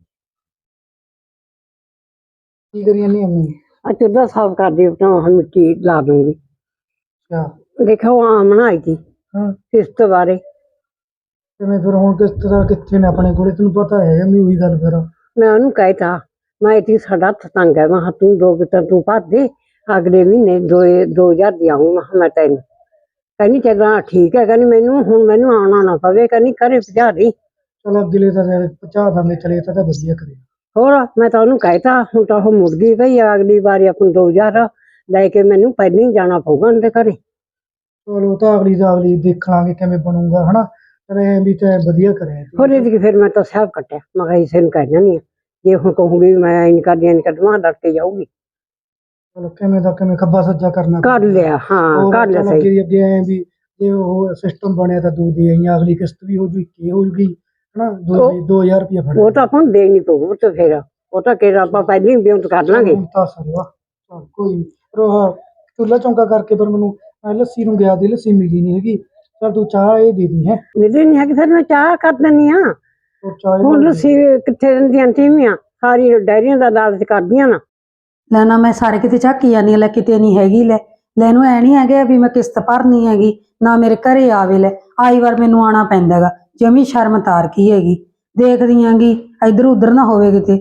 [SPEAKER 2] ਕੀ ਕਰੀ ਜਾਂਦੀ ਅੰਮੀ?
[SPEAKER 1] ਆ ਚੁੱਲ੍ਹਾ ਸਾਫ਼ ਕਰ ਦਿਓ ਤਾਂ ਹੁਣ ਮਿੱਟੀ ਲਾ ਦੂੰਗੀ।
[SPEAKER 2] ਅੱਛਾ।
[SPEAKER 1] ਦੇਖੋ ਆਮ ਬਣਾਈ ਸੀ
[SPEAKER 2] ਹਾਂ
[SPEAKER 1] ਕਿਸ਼ਤ ਬਾਰੇ।
[SPEAKER 2] ਕਿਵੇਂ ਫਿਰ ਹੁਣ ਕਿਸ਼ਤ ਦਾ ਕਿੱਥੇ ਨੇ ਆਪਣੇ ਕੋਲੇ, ਤੈਨੂੰ ਪਤਾ ਹੈ ਮੈਂ ਉਹੀ ਗੱਲ ਫਿਰ।
[SPEAKER 1] ਮੈਂ ਉਹਨੂੰ ਕਹਿਤਾ, ਮੈਂ ਇਤੀ ਸਾਡਾ ਹੱਥ ਤੰਗ ਹੈ, ਮੈਂ ਕਿਹਾ ਤੂੰ ਦੋ ਕਿਤਾ ਤੂੰ ਭਰ ਦੇ, ਅਗਲੇ ਮਹੀਨੇ ਦੋ ਦੋ ਹਜ਼ਾਰ ਦੀ ਆਊਂ। ਮੈਂ ਕਿਹਾ ਮੈਂ ਤੈਨੂੰ ਕਹਿੰਦੀ ਚੱਲਾਂ ਠੀਕ ਹੈ, ਕਹਿੰਦੀ ਮੈਨੂੰ ਹੁਣ ਮੈਨੂੰ ਆਉਣਾ ਨਾ ਪਵੇ, ਕਹਿੰਦੀ ਘਰੇ ਭਜਾ ਦੀ।
[SPEAKER 2] ਚਲ ਅਗਲੇ ਤਾਂ ਪਹੁੰਚਾ ਦਾਂਗੇ, ਚਲੇ ਤਾਂ ਵਧੀਆ ਕਰੇ।
[SPEAKER 1] ਹੋਰ ਮੈਂ ਤਾਂ ਉਹਨੂੰ ਕਹਿਤਾ, ਹੁਣ ਤਾਂ ਉਹ ਮੁੜ ਗਈ ਭਈ, ਅਗਲੀ ਵਾਰੀ ਆਪਾਂ ਨੂੰ ਦੋ ਹਜ਼ਾਰ ਲੈ ਕੇ ਮੈਨੂੰ ਪਹਿਲਾਂ ਹੀ ਜਾਣਾ ਪਊਗਾ ਉਹਦੇ ਘਰੇ।
[SPEAKER 2] ਚਲੋ ਤਾਂ ਅਗਲੀ ਦਾ ਅਗਲੀ ਦੇਖ ਲਾਂਗੇ ਕਿਵੇਂ ਬਣੂਗਾ, ਹਨਾ। ਪਰ ਇਹ ਵੀ ਤਾਂ ਵਧੀਆ ਕਰਿਆ ਤੂੰ।
[SPEAKER 1] ਹੋਰ ਇਹਦੀ ਫਿਰ ਮੈਂ ਤਾਂ ਸਭ ਕੱਟਿਆ, ਮੈਂ ਕਿਹਾ ਇਸੇ ਨੂੰ ਕਹਿ ਜਾਂਦੀ ਹਾਂ, ਜੇ ਹੁਣ ਕਹੂੰਗੀ ਵੀ ਮੈਂ ਇੰਝ ਕਰਦੀ ਇੰਝ ਕਰਦੀ ਲੜ ਕੇ ਜਾਊਗੀ।
[SPEAKER 2] ਚਲੋ ਕਿਵੇਂ ਦਾ ਕਿਵੇਂ ਖੱਬਾ ਸੱਜਾ ਕਰਨਾ
[SPEAKER 1] ਕਰ ਲਿਆ, ਹਾਂ ਕਰ ਲਿਆ ਸਹੀ।
[SPEAKER 2] ਅੱਗੇ ਅੱਗੇ ਐ ਵੀ ਜੇ ਉਹ ਸਿਸਟਮ ਬਣਿਆ ਤਾਂ ਦੋ ਦੇ ਆਈਆਂ, ਅਗਲੀ ਕਿਸ਼ਤ ਵੀ ਹੋ ਜੂ, ਇੱਕੇ ਹੋ ਜੂਗੀ, ਹਨਾ। ਦੋ ਦੋ ਹਜ਼ਾਰ ਰੁਪਇਆ ਫੜ
[SPEAKER 1] ਉਹ ਤਾਂ ਆਪਾਂ ਨੂੰ ਦੇਣੀ ਪਊ ਤੇ ਫਿਰ ਉਹ ਤਾਂ ਕਿਹੜਾ ਆਪਾਂ ਪਹਿਲਾਂ ਹੀ ਬੇਉਂਤ ਕਰ ਲਾਂਗੇ।
[SPEAKER 2] ਹੁਣ ਤਾਂ ਸਰਵਾ ਚਲ ਕੋਈ ਨੀ। ਪਰ ਉਹ ਚੁੱਲ੍ਹਾ ਚੌਂਕਾ ਕਰਕੇ ਫਿਰ ਮੈਨੂੰ ਮੈਂ ਲੱਸੀ ਨੂੰ ਗਿਆ ਦੀ, ਲੱਸੀ ਮਿਲੀ ਨਹੀਂ ਹੈਗੀ। ਚਲ ਤੂੰ ਚਾਹ ਇਹ ਦੇ ਦੀ ਹੈ।
[SPEAKER 1] ਮਿਲੀ ਨਹੀਂ ਹੈਗੀ, ਫਿਰ ਮੈਂ ਚਾਹ ਕਰ ਦਿੰਦੀ ਹਾਂ।
[SPEAKER 2] ਹੋਰ ਚਾਹ
[SPEAKER 1] ਹੁਣ ਲੱਸੀ ਕਿੱਥੇ ਦਿੰਦੀਆਂ ਟੀਵੀਆਂ, ਸਾਰੀ ਡੈਰੀਆਂ ਦਾ ਲਾਲਚ ਕਰਦੀਆਂ ਨਾ।
[SPEAKER 3] ਲੈ ਨਾ ਮੈਂ ਸਾਰੇ ਕਿਤੇ ਝਾਕੀ ਜਾਂਦੀ ਹਾਂ, ਲੈ ਕਿਤੇ ਨਹੀਂ ਹੈਗੀ। ਲੈ ਲੈ ਇਹਨੂੰ ਐ ਨਹੀਂ ਹੈਗਾ ਵੀ ਮੈਂ ਕਿਸ਼ਤ ਭਰਨੀ ਹੈਗੀ, ਨਾ ਮੇਰੇ ਘਰੇ ਆਵੇ। ਲੈ ਆਈ ਵਾਰ ਮੈਨੂੰ ਆਉਣਾ ਪੈਂਦਾ ਹੈਗਾ, ਜਮੀ ਸ਼ਰਮ ਤਾਰ ਕੀ ਹੈਗੀ। ਦੇਖਦੀ ਆਂਗੀ ਇੱਧਰ ਉੱਧਰ ਨਾ ਹੋਵੇ ਕਿਤੇ।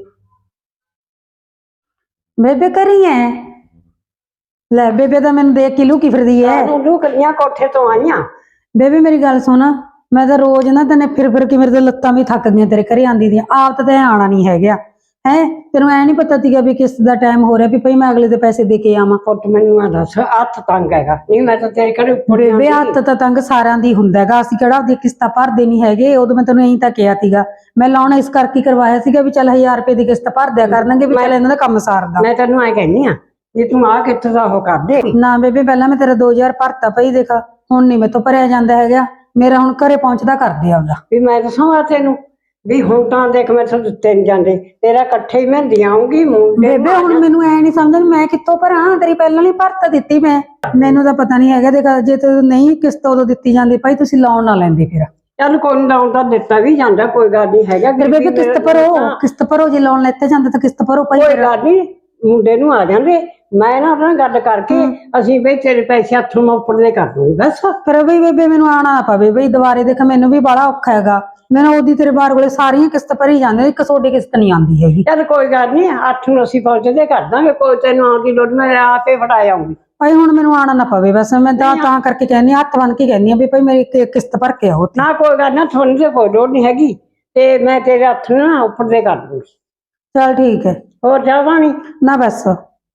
[SPEAKER 3] ਬੇਬੇ ਕਰੀ ਐ? ਲੈ ਬੇਬੇ ਤਾਂ ਮੈਨੂੰ ਦੇਖ ਕੇ ਲੁਕੀ ਫਿਰਦੀ ਐ।
[SPEAKER 1] ਸਾਨੂੰ ਲੁਕਦੀਆਂ ਕੋਠੇ ਤੋਂ ਆਈਆਂ।
[SPEAKER 3] ਬੇਬੇ ਮੇਰੀ ਗੱਲ ਸੁਣ, ਮੈਂ ਤਾਂ ਰੋਜ਼ ਨਾ ਤੈਨੇ ਫਿਰ ਫਿਰ ਕੇ ਮੇਰੇ ਤਾਂ ਲੱਤਾਂ ਵੀ ਥੱਕ ਗਈਆਂ ਤੇਰੇ ਘਰੇ ਆਂਦੀ ਦੀਆਂ, ਆਪ ਤਾਂ ਤੈਂ ਆਣਾ ਨਹੀਂ ਹੈਗਾ ਹੈ। ਤੈਨੂੰ ਐ ਨਹੀਂ ਪਤਾ ਸੀਗਾ ਵੀ ਕਿਸ਼ਤ ਦਾ ਟਾਈਮ ਹੋ ਰਿਹਾ, ਵੀ ਭਈ ਮੈਂ ਅਗਲੇ ਦੇ ਪੈਸੇ ਦੇ ਕੇ ਆਵਾਂ।
[SPEAKER 1] ਪੁੱਤ ਮੈਨੂੰ ਆ ਦੱਸ, ਹੱਥ ਤੰਗ ਹੈਗਾ, ਨਹੀਂ ਮੈਂ ਤਾਂ ਤੇਰੇ ਘਰੇ ਉੱਪਰ
[SPEAKER 3] ਬੇਬੇ ਹੱਥ ਤਾਂ ਤੰਗ ਸਾਰਿਆਂ ਦੀ ਹੁੰਦਾ ਹੈਗਾ, ਅਸੀਂ ਕਿਹੜਾ ਆਪਦੀ ਕਿਸ਼ਤਾਂ ਭਰਦੇ ਨਹੀਂ ਹੈਗੇ। ਉਦੋਂ ਮੈਂ ਤੈਨੂੰ ਇਹੀ ਤਾਂ ਕਿਹਾ ਸੀਗਾ, ਮੈਂ ਲਾਉਣ ਇਸ ਕਰਕੇ ਕਰਵਾਇਆ ਸੀਗਾ ਵੀ ਚੱਲ ਹਜ਼ਾਰ ਰੁਪਏ ਦੀ ਕਿਸ਼ਤ ਭਰ ਦਿਆ ਕਰਨਗੇ, ਵੀ ਚੱਲ ਇਹਨਾਂ ਦਾ ਕੰਮ ਸਾਰਦਾ।
[SPEAKER 1] ਮੈਂ ਤੈਨੂੰ ਐ ਕਹਿੰਦੀ ਆ ਜੇ ਤੂੰ ਆ ਕਿੱਥੇ ਦਾ ਉਹ ਕਰ ਦੇ।
[SPEAKER 3] ਨਾ ਬੇਬੇ ਪਹਿਲਾਂ ਮੈਂ ਤੇਰਾ ਦੋ ਹਜ਼ਾਰ ਭਰਤਾ ਪਈ, ਦੇਖ ਹੁਣ ਨਹੀਂ ਮੇਰੇ ਤੋਂ ਭਰਿਆ ਜਾਂਦਾ ਹੈਗਾ। ਮੇਰਾ ਹੁਣ ਘਰੇ ਪਹੁੰਚਦਾ ਕਰਦੇ ਆ ਉਹਦਾ।
[SPEAKER 1] ਵੀ ਮੈਂ ਦੱਸਾਂ ਤੈਨੂੰ ਵੀ ਹੁਣ ਤਾਂ ਦੇਖ ਮੈਂ ਤੁਹਾਨੂੰ ਦਿੱਤੇ ਨੀ ਜਾਂਦੇ, ਤੇਰਾ ਇਕੱਠੇ ਹੀ ਮਹਿੰਦੀ ਆਉਂਗੀ ਮੁੰਡੇ ਨੂੰ
[SPEAKER 3] ਬੇਬੇ
[SPEAKER 1] ਆ
[SPEAKER 3] ਹੁਣ
[SPEAKER 1] ਜਾ-
[SPEAKER 3] ਮੈਨੂੰ ਐ ਨਹੀਂ ਸਮਝ ਮੈਂ ਕਿੱਥੋਂ ਭਰਾਂ, ਤੇਰੀ ਪਹਿਲਾਂ ਹੀ ਭਰਤ ਦਿੱਤੀ ਮੈਂ, ਮੈਨੂੰ ਤਾਂ ਪਤਾ ਨਹੀਂ ਹੈਗਾ। ਦੇਖ ਜੇ ਤੂੰ ਨਹੀਂ ਕਿਸ਼ਤ ਉਦੋਂ ਦਿੱਤੀ ਜਾਂਦੀ ਭਾਈ ਤੁਸੀਂ ਲੋਨ ਨਾ ਲੈਂਦੇ ਫਿਰ।
[SPEAKER 1] ਚੱਲ ਕੋਈ ਨਾ ਤਾਂ ਦਿੱਤਾ ਵੀ ਜਾਂਦਾ, ਕੋਈ ਗੱਲ ਨਹੀਂ ਹੈਗਾ।
[SPEAKER 3] ਫਿਰ ਬੇਬੇ
[SPEAKER 1] ਗਰੀਬੀ
[SPEAKER 3] ਕਿਸ਼ਤ
[SPEAKER 1] ਮੇਰੇ-
[SPEAKER 3] ਭਰੋ,
[SPEAKER 1] ਹਾਂ,
[SPEAKER 3] ਕਿਸ਼ਤ ਭਰੋ, ਜੇ ਲੋਨ ਲੈਤੇ ਜਾਂਦੇ ਤਾਂ ਕਿਸ਼ਤ ਭਰੋ ਭਾਈ।
[SPEAKER 1] ਕੋਈ ਗੱਲ ਨਹੀਂ, ਮੁੰਡੇ ਨੂੰ ਆ ਜਾਂਦੇ, ਮੈਂ ਨਾ ਉਹਦੇ ਨਾਲ ਗੱਲ ਕਰਕੇ ਅਸੀਂ ਬਈ ਤੇਰੇ ਪੈਸੇ ਹੱਥੋਂ ਮੈਂ ਉੱਪਰ ਦੇ ਕਰ ਦੂੰਗੀ ਬਸ।
[SPEAKER 3] ਫਿਰ ਬਈ ਬੇਬੇ ਮੈਨੂੰ ਆਣਾ ਨਾ ਪਵੇ ਬਈ ਦੁਬਾਰੇ, ਦੇਖ ਮੈਨੂੰ ਵੀ ਬੜਾ ਔਖਾ ਹੈਗਾ। ਮੈਨੂੰ ਉਹਦੀ ਤੇਰੇ ਬਾਰ ਕੋਲੇ ਸਾਰੀਆਂ ਕਿਸ਼ਤ ਭਰੀ ਜਾਂਦੇ, ਇੱਕ ਤੁਹਾਡੀ ਕਿਸ਼ਤ ਨਹੀਂ ਆਉਂਦੀ ਹੈਗੀ।
[SPEAKER 1] ਚੱਲ ਕੋਈ ਗੱਲ ਨਹੀਂ, ਅੱਠ ਨੂੰ ਅਸੀਂ ਪਹੁੰਚਦੇ ਕਰ ਦਾਂਗੇ, ਕੋਈ ਤੈਨੂੰ ਆਉਣ ਦੀ ਲੋੜ, ਮੈਂ ਆਪੇ ਫੜਾ ਆਉਂਗੀ।
[SPEAKER 3] ਭਾਈ ਹੁਣ ਮੈਨੂੰ ਆਣਾ ਨਾ ਪਵੇ ਬਸ, ਮੈਂ ਤਾਂ ਤਾਂ ਕਰਕੇ ਕਹਿੰਦੀ ਹਾਂ, ਹੱਥ ਬੰਨ ਕੇ ਕਹਿੰਦੀ ਹਾਂ ਵੀ ਭਾਈ ਮੇਰੀ ਕਿ- ਕਿਸ਼ਤ ਭਰ ਕੇ ਆਓ।
[SPEAKER 1] ਨਾ ਕੋਈ ਗੱਲ ਨਾ, ਤੁਹਾਨੂੰ ਤੇ ਕੋਈ ਲੋੜ ਨਹੀਂ ਹੈਗੀ, ਤੇ ਮੈਂ ਤੇਰੇ ਹੱਥ ਨੂੰ ਨਾ ਉੱਪਰ ਦੇ ਕਰ ਦੂੰਗੀ।
[SPEAKER 3] ਚਲ ਠੀਕ ਹੈ।
[SPEAKER 1] ਹੋਰ ਜਾਵਾਂ ਨਹੀਂ
[SPEAKER 3] ਨਾ ਬਸ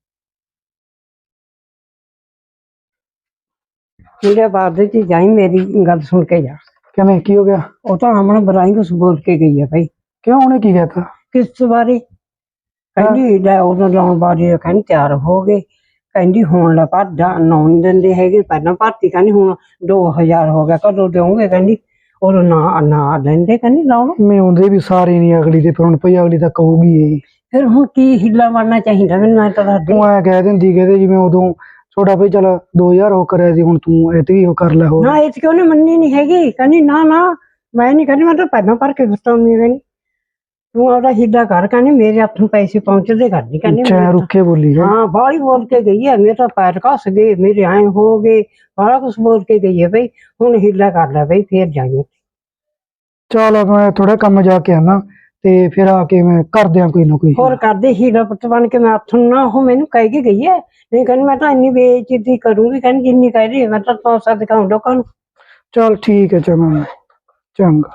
[SPEAKER 1] ਮੁੰਡੇ ਬਾਅਦ ਵਿੱਚ ਜਾਈ, ਮੇਰੀ ਗੱਲ ਸੁਣ ਕੇ ਜਾ।
[SPEAKER 2] ਕਿਵੇਂ ਕੀ ਹੋ ਗਿਆ?
[SPEAKER 1] ਉਹ ਤਾਂ ਹਮਣ ਬਰਾਈ ਕੁਛ ਬੋਲ ਕੇ ਗਈ ਹੈ ਭਾਈ।
[SPEAKER 2] ਕਿਉਂ ਉਹਨੇ ਕੀ ਕਹਿਤਾ?
[SPEAKER 1] ਕਿਸ ਬਾਰੇ? ਕਹਿੰਦੀ ਲੈ ਉਹਨਾਂ ਲਾਉਣ ਬਾਰੇ ਕਹਿੰਦੀ ਤਿਆਰ ਹੋ ਗਏ, ਕਹਿੰਦੀ ਹੁਣ ਲਾ ਭਰ ਜਾ, ਨੌ ਨੀ ਦਿੰਦੇ ਹੈਗੇ, ਪਹਿਲਾਂ ਭਰਤੀ ਕਹਿੰਦੀ ਹੁਣ ਦੋ ਹਜ਼ਾਰ ਹੋ ਗਿਆ, ਕਦੋਂ ਦੇਵੋਗੇ ਕਹਿੰਦੀ, ਉਦੋਂ ਨਾ ਨਾ ਲੈਂਦੇ ਕਹਿੰਦੀ ਲਾਉਣ।
[SPEAKER 2] ਮੈਂ ਉਹਦੇ ਵੀ ਸਾਰੇ ਨਹੀਂ ਅਗਲੀ ਦੇ, ਫਿਰ ਹੁਣ ਭਈ ਅਗਲੀ ਤਾਂ ਕਹੂਗੀ ਇਹ।
[SPEAKER 1] ਫਿਰ ਹੁਣ ਕੀ ਹਿੱਲਾ ਮਾਰਨਾ ਚਾਹੀਦਾ ਮੈਨੂੰ, ਮੈਂ ਤਾਂ ਦੱਸ ਦੇ।
[SPEAKER 2] ਤੂੰ ਐ ਕਹਿ ਦਿੰਦੀ ਕਹਿੰਦੇ ਜਿਵੇਂ ਉਦੋਂ ਛੋਟਾ ਭਈ ਚੱਲ ਦੋ ਹਜ਼ਾਰ ਉਹ ਕਰਿਆ ਸੀ, ਹੁਣ ਤੂੰ ਐਤਕੀ ਉਹ ਕਰ ਲੈ ਹੋਰ।
[SPEAKER 1] ਨਾ ਇਹ ਕਿਉਂ ਨੇ ਮੰਨੀ ਨਹੀਂ ਹੈਗੀ, ਕਹਿੰਦੀ ਨਾ ਨਾ ਮੈਂ ਨਹੀਂ ਕਹਿੰਦੀ, ਮੈਂ ਤਾਂ ਪਹਿਲਾਂ ਭਰ ਕੇ ਦੱਸਾਂਗੀ, ਕਹਿੰਦੀ ਤੂੰ ਆਪਦਾ ਹੀਲਾ ਕਰ, ਕਹਿੰਦੀ ਮੇਰੇ ਹੱਥ ਨੂੰ ਪੈਸੇ ਪਹੁੰਚਦੇ ਕਰਦੀ, ਕਹਿੰਦੀ
[SPEAKER 2] ਚਾਹ
[SPEAKER 1] ਮੇਰੇ
[SPEAKER 2] ਰੁੱਖੇ ਬੋਲੀ ਹੈ।
[SPEAKER 1] ਹਾਂ ਬਾਹਲੀ ਬੋਲ ਕੇ ਗਈ ਹੈ, ਮੇਰੇ ਤਾਂ ਪੈਰ ਘਸ ਗਏ, ਮੇਰੇ ਐਂ ਹੋ ਗਏ, ਬਾਹਲਾ ਕੁਛ ਬੋਲ ਕੇ ਗਈ ਹੈ ਬਈ, ਹੁਣ ਹੀਲਾ ਕਰ ਲੈ ਬਈ, ਫੇਰ ਜਾਈਏ।
[SPEAKER 2] ਚੱਲ ਮੈਂ ਥੋੜਾ ਕੰਮ ਜਾ ਕੇ ਆਣਾ, ਤੇ ਫਿਰ ਆ ਕੇ ਮੈਂ ਕਰਦਿਆਂ ਕੋਈ ਨਾ ਕੋਈ।
[SPEAKER 1] ਹੋਰ ਕਰਦੇ ਹੀਲਾ ਪੁੱਤ ਬਣ ਕੇ, ਮੈਂ ਹੱਥ ਨੂੰ ਨਾ ਉਹ ਮੈਨੂੰ ਕਹਿ ਕੇ ਗਈ ਹੈ, ਨਹੀਂ ਕਹਿੰਦੀ ਮੈਂ ਤਾਂ ਇੰਨੀ ਬੇਇੱਜ਼ਤੀ ਕਰੂੰਗੀ, ਕਹਿੰਦੀ ਜਿੰਨੀ ਕਹਿ ਰਹੀ ਹੈ ਮੈਂ ਤਾਂ ਤੋਸਾ ਦਿਖਾਉਂ ਲੋਕਾਂ ਨੂੰ।
[SPEAKER 2] ਚੱਲ ਠੀਕ ਹੈ ਚੰਗਾ, ਚੰਗਾ।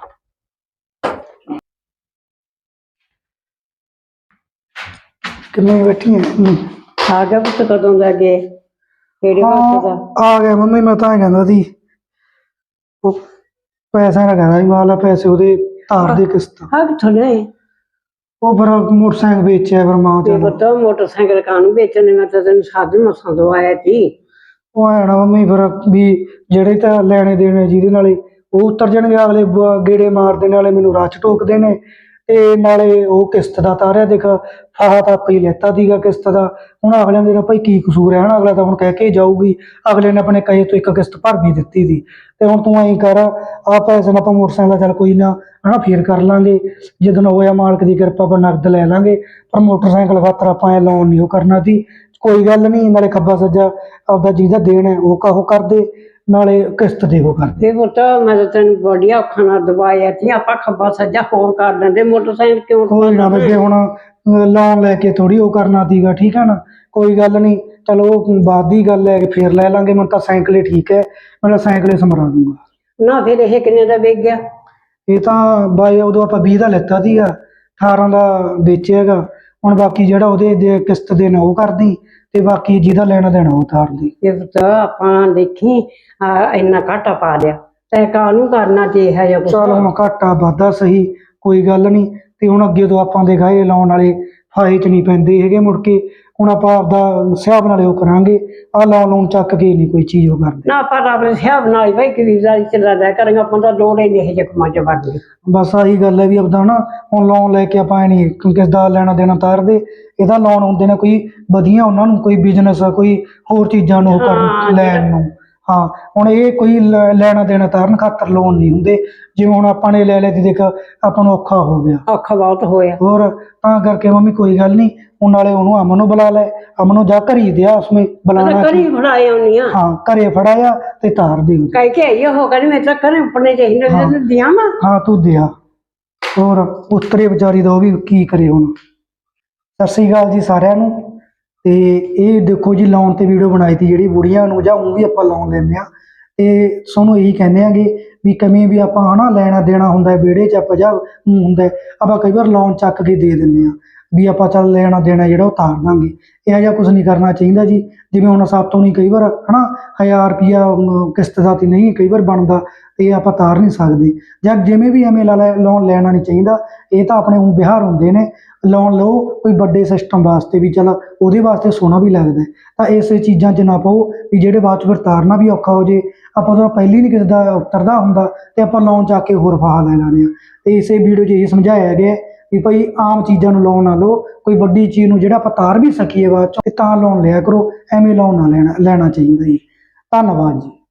[SPEAKER 2] ਕਿੰਨੇ ਬੈਠੀ ਹੈ?
[SPEAKER 1] ਆ ਗਿਆ ਪੁੱਤ ਕਦੋਂ ਦਾ ਗਏ, ਕਿਹੜੇ ਵਕਤ ਦਾ?
[SPEAKER 2] ਆ ਗਿਆ ਮੰਮੀ, ਮੈਂ ਤਾਂ ਐਂ ਕਹਿੰਦਾ ਸੀ ਉਹ ਪੈਸਿਆਂ ਦਾ ਕਹਿੰਦਾ ਸੀ, ਮਾਲਾ ਪੈਸੇ ਉਹਦੇ ਤਾਰ ਦੇ ਕਿਸ਼ਤ।
[SPEAKER 1] ਹਾਂ ਕਿੱਥੋਂ ਲਿਆਏ?
[SPEAKER 2] ਉਹ ਫਿਰ ਮੋਟਰਸਾਈਕਲ ਵੇਚਿਆ, ਫਿਰ ਮਾਂ
[SPEAKER 1] ਤੇ
[SPEAKER 2] ਚੱਲ
[SPEAKER 1] ਪੁੱਤ ਮੋਟਰਸਾਈਕਲ ਕਾਹਨੂੰ ਵੇਚਣੇ, ਮੈਂ ਤਾਂ ਤੈਨੂੰ ਸਾਧ ਮਸਾਂ ਦਵਾਇਆ ਸੀ।
[SPEAKER 2] ਉਹ ਐ ਨਾ ਮੰਮੀ ਫਿਰ ਵੀ ਜਿਹੜੇ ਤਾਂ ਲੈਣੇ ਦੇਣੇ ਜਿਹਦੇ ਨਾਲੇ ਉਹ ਉਤਰ ਜਾਣਗੇ, ਅਗਲੇ ਬ- ਗੇੜੇ ਮਾਰਦੇ ਨਾਲੇ ਮੈਨੂੰ ਰਾਹ 'ਚ ਟੋਕਦੇ ਨੇ, ਤੇ ਨਾਲੇ ਉਹ ਕਿਸ਼ਤ ਦਾ ਤਾਰਿਆ ਦੇਖ, ਫਾਹਾ ਤਾਂ ਆਪੇ ਹੀ ਲੈਤਾ ਸੀਗਾ ਕਿਸ਼ਤ ਦਾ। ਹੁਣ ਅਗਲਿਆਂ ਦੇ ਤਾਂ ਭਾਈ ਕੀ ਕਸੂਰ ਹੈ ਨਾ, ਅਗਲਾ ਤਾਂ ਹੁਣ ਕਹਿ ਕੇ ਜਾਊਗੀ, ਅਗਲੇ ਨੇ ਆਪਣੇ ਕਹੇ ਤੋਂ ਇੱਕ ਕਿਸ਼ਤ ਭਰ ਵੀ ਦਿੱਤੀ ਸੀ। ਤੇ ਹੁਣ ਤੂੰ ਐਂ ਕਰ, ਆ ਪੈਸੇ ਨਾਲ ਆਪਾਂ ਮੋਟਰਸਾਈਕਲ ਚੱਲ ਕੋਈ ਨਾ ਹਨਾ ਫੇਰ ਕਰ ਲਾਂਗੇ, ਜਦੋਂ ਹੋਇਆ ਮਾਲਕ ਦੀ ਕਿਰਪਾ ਆਪਾਂ ਨਕਦ ਲੈ ਲਾਂਗੇ, ਪਰ ਮੋਟਰਸਾਈਕਲ ਖਾਤਰ ਆਪਾਂ ਐ ਲੋਨ ਨਹੀਂ ਉਹ ਕਰਨਾ ਸੀ। ਕੋਈ ਗੱਲ ਨਹੀਂ, ਨਾਲੇ ਖੱਬਾ ਸੱਜਾ ਆਪਦਾ ਜਿਹਦਾ ਦੇਣ ਹੈ ਉਹ ਕਾਹੋ ਕਰਦੇ, ਨਾਲੇ ਕਿਸ਼ਤ ਦੇ ਉਹ ਕਰਦੇ।
[SPEAKER 1] ਤੇ ਪੁੱਤ ਮੈਂ ਤਾਂ ਤੈਨੂੰ ਬੜੀਆ ਔਖਾ ਨਾਲ ਦਵਾਇਆ ਸੀ, ਆਪਾਂ ਖੱਬਾ ਸੱਜਾ ਹੋਰ ਕਰ ਲੈਂਦੇ, ਮੋਟਰਸਾਈਕਲ ਕਿਉਂ?
[SPEAKER 2] ਕੋਈ ਨਾ ਬੇਬੇ, ਹੁਣ ਲੋਨ ਲੈ ਕੇ ਥੋੜੀ ਉਹ ਕਰਨਾ ਸੀਗਾ, ਠੀਕ ਹੈ ਨਾ, ਕੋਈ ਗੱਲ ਨਹੀਂ, ਚਲੋ ਉਹ ਬਾਅਦ ਦੀ ਗੱਲ ਹੈ, ਫੇਰ ਲੈ ਲਾਂਗੇ। ਮੈਨੂੰ ਤਾਂ ਸਾਈਕਲ ਹੀ ਠੀਕ ਹੈ, ਮੈਂ ਸਾਈਕਲ ਹੀ ਸਮਰਾ ਦੂੰਗਾ।
[SPEAKER 1] ਨਾ ਫਿਰ ਇਹ ਕਿੰਨੇ ਦਾ ਵੇਚ ਗਿਆ?
[SPEAKER 2] ਇਹ ਤਾਂ ਬਾਈ ਉਦੋਂ ਆਪਾਂ ਵੀਹ ਦਾ ਲੈਤਾ ਸੀਗਾ, ਅਠਾਰਾਂ ਦਾ ਵੇਚਿਆ ਹੈਗਾ। ਹੁਣ ਬਾਕੀ ਜਿਹੜਾ ਉਹਦੇ ਦੇ ਕਿਸ਼ਤ ਦੇਣਾ ਉਹ ਕਰਦੀ, ਤੇ ਬਾਕੀ ਜਿਹਦਾ ਲੈਣਾ ਦੇਣਾ ਉਹ ਤਾਰਦੀ।
[SPEAKER 1] ਇਹ ਪੁੱਤ ਆਪਾਂ ਦੇਖੀ ਆ ਇੰਨਾ ਘਾਟਾ ਪਾ ਲਿਆ, ਤੈ ਕਾਹਨੂੰ ਕਰਨਾ ਜੇ ਹੈ ਜਾਂ ਕੁਛ।
[SPEAKER 2] ਚੱਲ ਹੁਣ ਘਾਟਾ ਵਾਧਾ ਸਹੀ, ਕੋਈ ਗੱਲ ਨਹੀਂ, ਤੇ ਹੁਣ ਅੱਗੇ ਤੋਂ ਆਪਾਂ ਦੇ ਗਾਏ ਲਾਉਣ ਵਾਲੇ ਫਾਇਦੇ 'ਚ ਨਹੀਂ ਪੈਂਦੇ ਹੈਗੇ ਮੁੜ ਕੇ। ਹੁਣ ਆਪਾਂ ਆਪਦਾ ਹਿਸਾਬ ਨਾਲ ਉਹ ਕਰਾਂਗੇ, ਆਹ ਲੋਨ ਲੋਨ ਚੱਕ ਕੇ ਨਹੀਂ ਕੋਈ ਚੀਜ਼ ਉਹ ਕਰਦੇ।
[SPEAKER 1] ਨਾ ਆਪਾਂ ਤਾਂ ਆਪਣੇ ਹਿਸਾਬ ਨਾਲ ਹੀ ਬਈ ਕਬੀਜ਼ਾਰੀ ਚੱਲਾ ਲਿਆ ਕਰਾਂਗੇ, ਆਪਾਂ ਤਾਂ ਲੋੜ ਹੀ ਨਹੀਂ ਇਹ ਜ਼ਖਮਾਂ 'ਚ ਵੜਨੀ।
[SPEAKER 2] ਬਸ ਆਹੀ ਗੱਲ ਹੈ ਵੀ ਆਪਦਾ ਨਾ ਹੁਣ ਲੋਨ ਲੈ ਕੇ ਆਪਾਂ ਨਹੀਂ ਕਿਸ ਦਾ ਲੈਣਾ ਦੇਣਾ ਤਾਰਦੇ, ਇਹਦਾ ਲੋਨ ਹੁੰਦੇ ਨੇ ਕੋਈ ਵਧੀਆ, ਉਹਨਾਂ ਨੂੰ ਕੋਈ ਬਿਜ਼ਨਸ ਕੋਈ ਹੋਰ ਚੀਜ਼ਾਂ ਨੂੰ ਉਹ
[SPEAKER 1] ਹਾਂ,
[SPEAKER 2] ਕਰਨ ਲੈਣ
[SPEAKER 1] ਜਿਹੜਾ-
[SPEAKER 2] ਨੂੰ। ਹਾਂ ਹੁਣ ਇਹ ਕੋਈ ਲੈ- ਲੈਣਾ ਦੇਣਾ ਤਾਰਨ ਖਾਤਰ ਲੋਨ ਨਹੀਂ ਹੁੰਦੇ, ਜਿਵੇਂ ਹੁਣ ਆਪਾਂ ਨੇ ਲੈ ਲਿਆ ਤੇ ਦੇਖ ਆਪਾਂ ਨੂੰ ਔਖਾ ਹੋ ਗਿਆ।
[SPEAKER 1] ਔਖਾ ਬਹੁਤ ਹੋਇਆ।
[SPEAKER 2] ਹੋਰ ਤਾਂ ਕਰਕੇ ਮੰਮੀ ਕੋਈ ਗੱਲ ਨਹੀਂ, ਹੁਣ ਨਾਲੇ ਉਹਨੂੰ ਅਮਨ ਨੂੰ ਬੁਲਾ ਲੈ, ਅਮਨ ਨੂੰ ਜਾ ਘਰੀ ਦਿਆ ਉਸਮੇ ਬੁਲਾਣਾ
[SPEAKER 1] ਕਰੀ ਫੜਾਏ ਆਉਣੀ ਆ,
[SPEAKER 2] ਹਾਂ ਘਰੇ ਫੜਾਇਆ ਤੇ ਤਾਰ ਦੇ ਉਹਦੇ।
[SPEAKER 1] ਕਹਿ ਕੇ ਆਈ ਉਹ ਕਹਿੰਦੀ ਮੈਂ ਤਾਂ ਕਰੇ ਉੱਪਰਨੇ ਚਾਹੀਦੇ
[SPEAKER 2] ਹਾਂ।
[SPEAKER 1] ਨੇ ਦੀਆਂ ਵਾ।
[SPEAKER 2] ਹਾਂ ਤੂੰ ਦਿਆ, ਹੋਰ ਉਤਰੇ ਵਿਚਾਰੀ ਦਾ ਉਹ ਵੀ ਕੀ ਕਰੇ ਹੁਣ। ਸਤਿ ਸ੍ਰੀ ਅਕਾਲ ਜੀ ਸਾਰਿਆਂ ਨੂੰ। ਤੇ ਇਹ ਦੇਖੋ ਜੀ ਲੋਨ ਤੇ ਵੀਡੀਓ ਬਣਾਈ ਤੀ ਜਿਹੜੀ ਬੁੜੀਆਂ ਨੂੰ ਜਾਂ ਉਹ ਵੀ ਆਪਾਂ ਲੋਨ ਲੈਂਦੇ ਆ, ਤੇ ਤੁਹਾਨੂੰ ਇਹੀ ਕਹਿੰਦੇ ਆਗੇ ਵੀ ਕਮੀ ਵੀ ਆਪਾਂ ਹਨਾ ਲੈਣਾ ਦੇਣਾ ਹੁੰਦਾ ਵਿਹੜੇ 'ਚ ਆਪਾਂ ਜਾਂ ਹੁੰਦਾ ਆਪਾਂ ਕਈ ਵਾਰ ਲੋਨ ਚੱਕ ਕੇ ਦੇ ਦਿੰਦੇ ਆ ਵੀ ਆਪਾਂ ਚੱਲ ਲੈਣਾ ਦੇਣਾ ਜਿਹੜਾ ਉਹ ਤਾਰ ਦਾਂਗੇ। ਇਹੋ ਜਿਹਾ ਕੁਝ ਨਹੀਂ ਕਰਨਾ ਚਾਹੀਦਾ ਜੀ। ਜਿਵੇਂ ਹੁਣ ਸਾਤੋਂ ਨਹੀਂ ਕਈ ਵਾਰ ਹਨਾ ਹਜ਼ਾਰ ਰੁਪਈਆ ਕਿਸ਼ਤ ਦਾ ਤੇ ਨਹੀਂ ਕਈ ਵਾਰ ਬਣਦਾ, ਇਹ ਆਪਾਂ ਤਾਰ ਨਹੀਂ ਸਕਦੇ, ਜਾਂ ਜਿਵੇਂ ਵੀ ਐਵੇਂ ਲਾ ਲੈ ਲੋਨ ਲੈਣਾ ਨਹੀਂ ਚਾਹੀਦਾ। ਇਹ ਤਾਂ ਆਪਣੇ ਉਹ ਵਿਹਾਰ ਹੁੰਦੇ ਨੇ, ਲੋਨ ਲਓ ਕੋਈ ਵੱਡੇ ਸਿਸਟਮ ਵਾਸਤੇ ਵੀ ਚਲ ਉਹਦੇ ਵਾਸਤੇ ਸੋਹਣਾ ਵੀ ਲੱਗਦਾ ਹੈ। ਤਾਂ ਇਸੇ ਚੀਜ਼ਾਂ 'ਚ ਨਾ ਪਾਓ ਵੀ ਜਿਹੜੇ ਬਾਅਦ 'ਚ ਫਿਰ ਤਾਰਨਾ ਵੀ ਔਖਾ ਹੋ ਜੇ। ਆਪਾਂ ਤਾਂ ਪਹਿਲੀ ਨਹੀਂ ਕਿਸੇ ਦਾ ਉਤਰਦਾ ਹੁੰਦਾ ਤੇ ਆਪਾਂ ਲੋਨ ਚੱਕ ਕੇ ਹੋਰ ਫਾਹਾ ਲੈ ਲੈਣੇ ਆ। ਤੇ ਇਸੇ ਵੀਡੀਓ 'ਚ ਇਹ ਸਮਝਾਇਆ ਗਿਆ ਹੈ ਵੀ ਭਾਈ ਆਮ ਚੀਜ਼ਾਂ ਨੂੰ ਲੋਨ ਨਾ ਲਓ, ਕੋਈ ਵੱਡੀ ਚੀਜ਼ ਨੂੰ ਜਿਹੜਾ ਆਪਾਂ ਤਾਰ ਵੀ ਸਕੀਏ ਬਾਅਦ 'ਚ ਤੇ ਤਾਂ ਲੋਨ ਲਿਆ ਕਰੋ, ਐਵੇਂ ਲੋਨ ਨਾ ਲੈਣਾ ਲੈਣਾ ਚਾਹੀਦਾ ਜੀ। ਧੰਨਵਾਦ ਜੀ।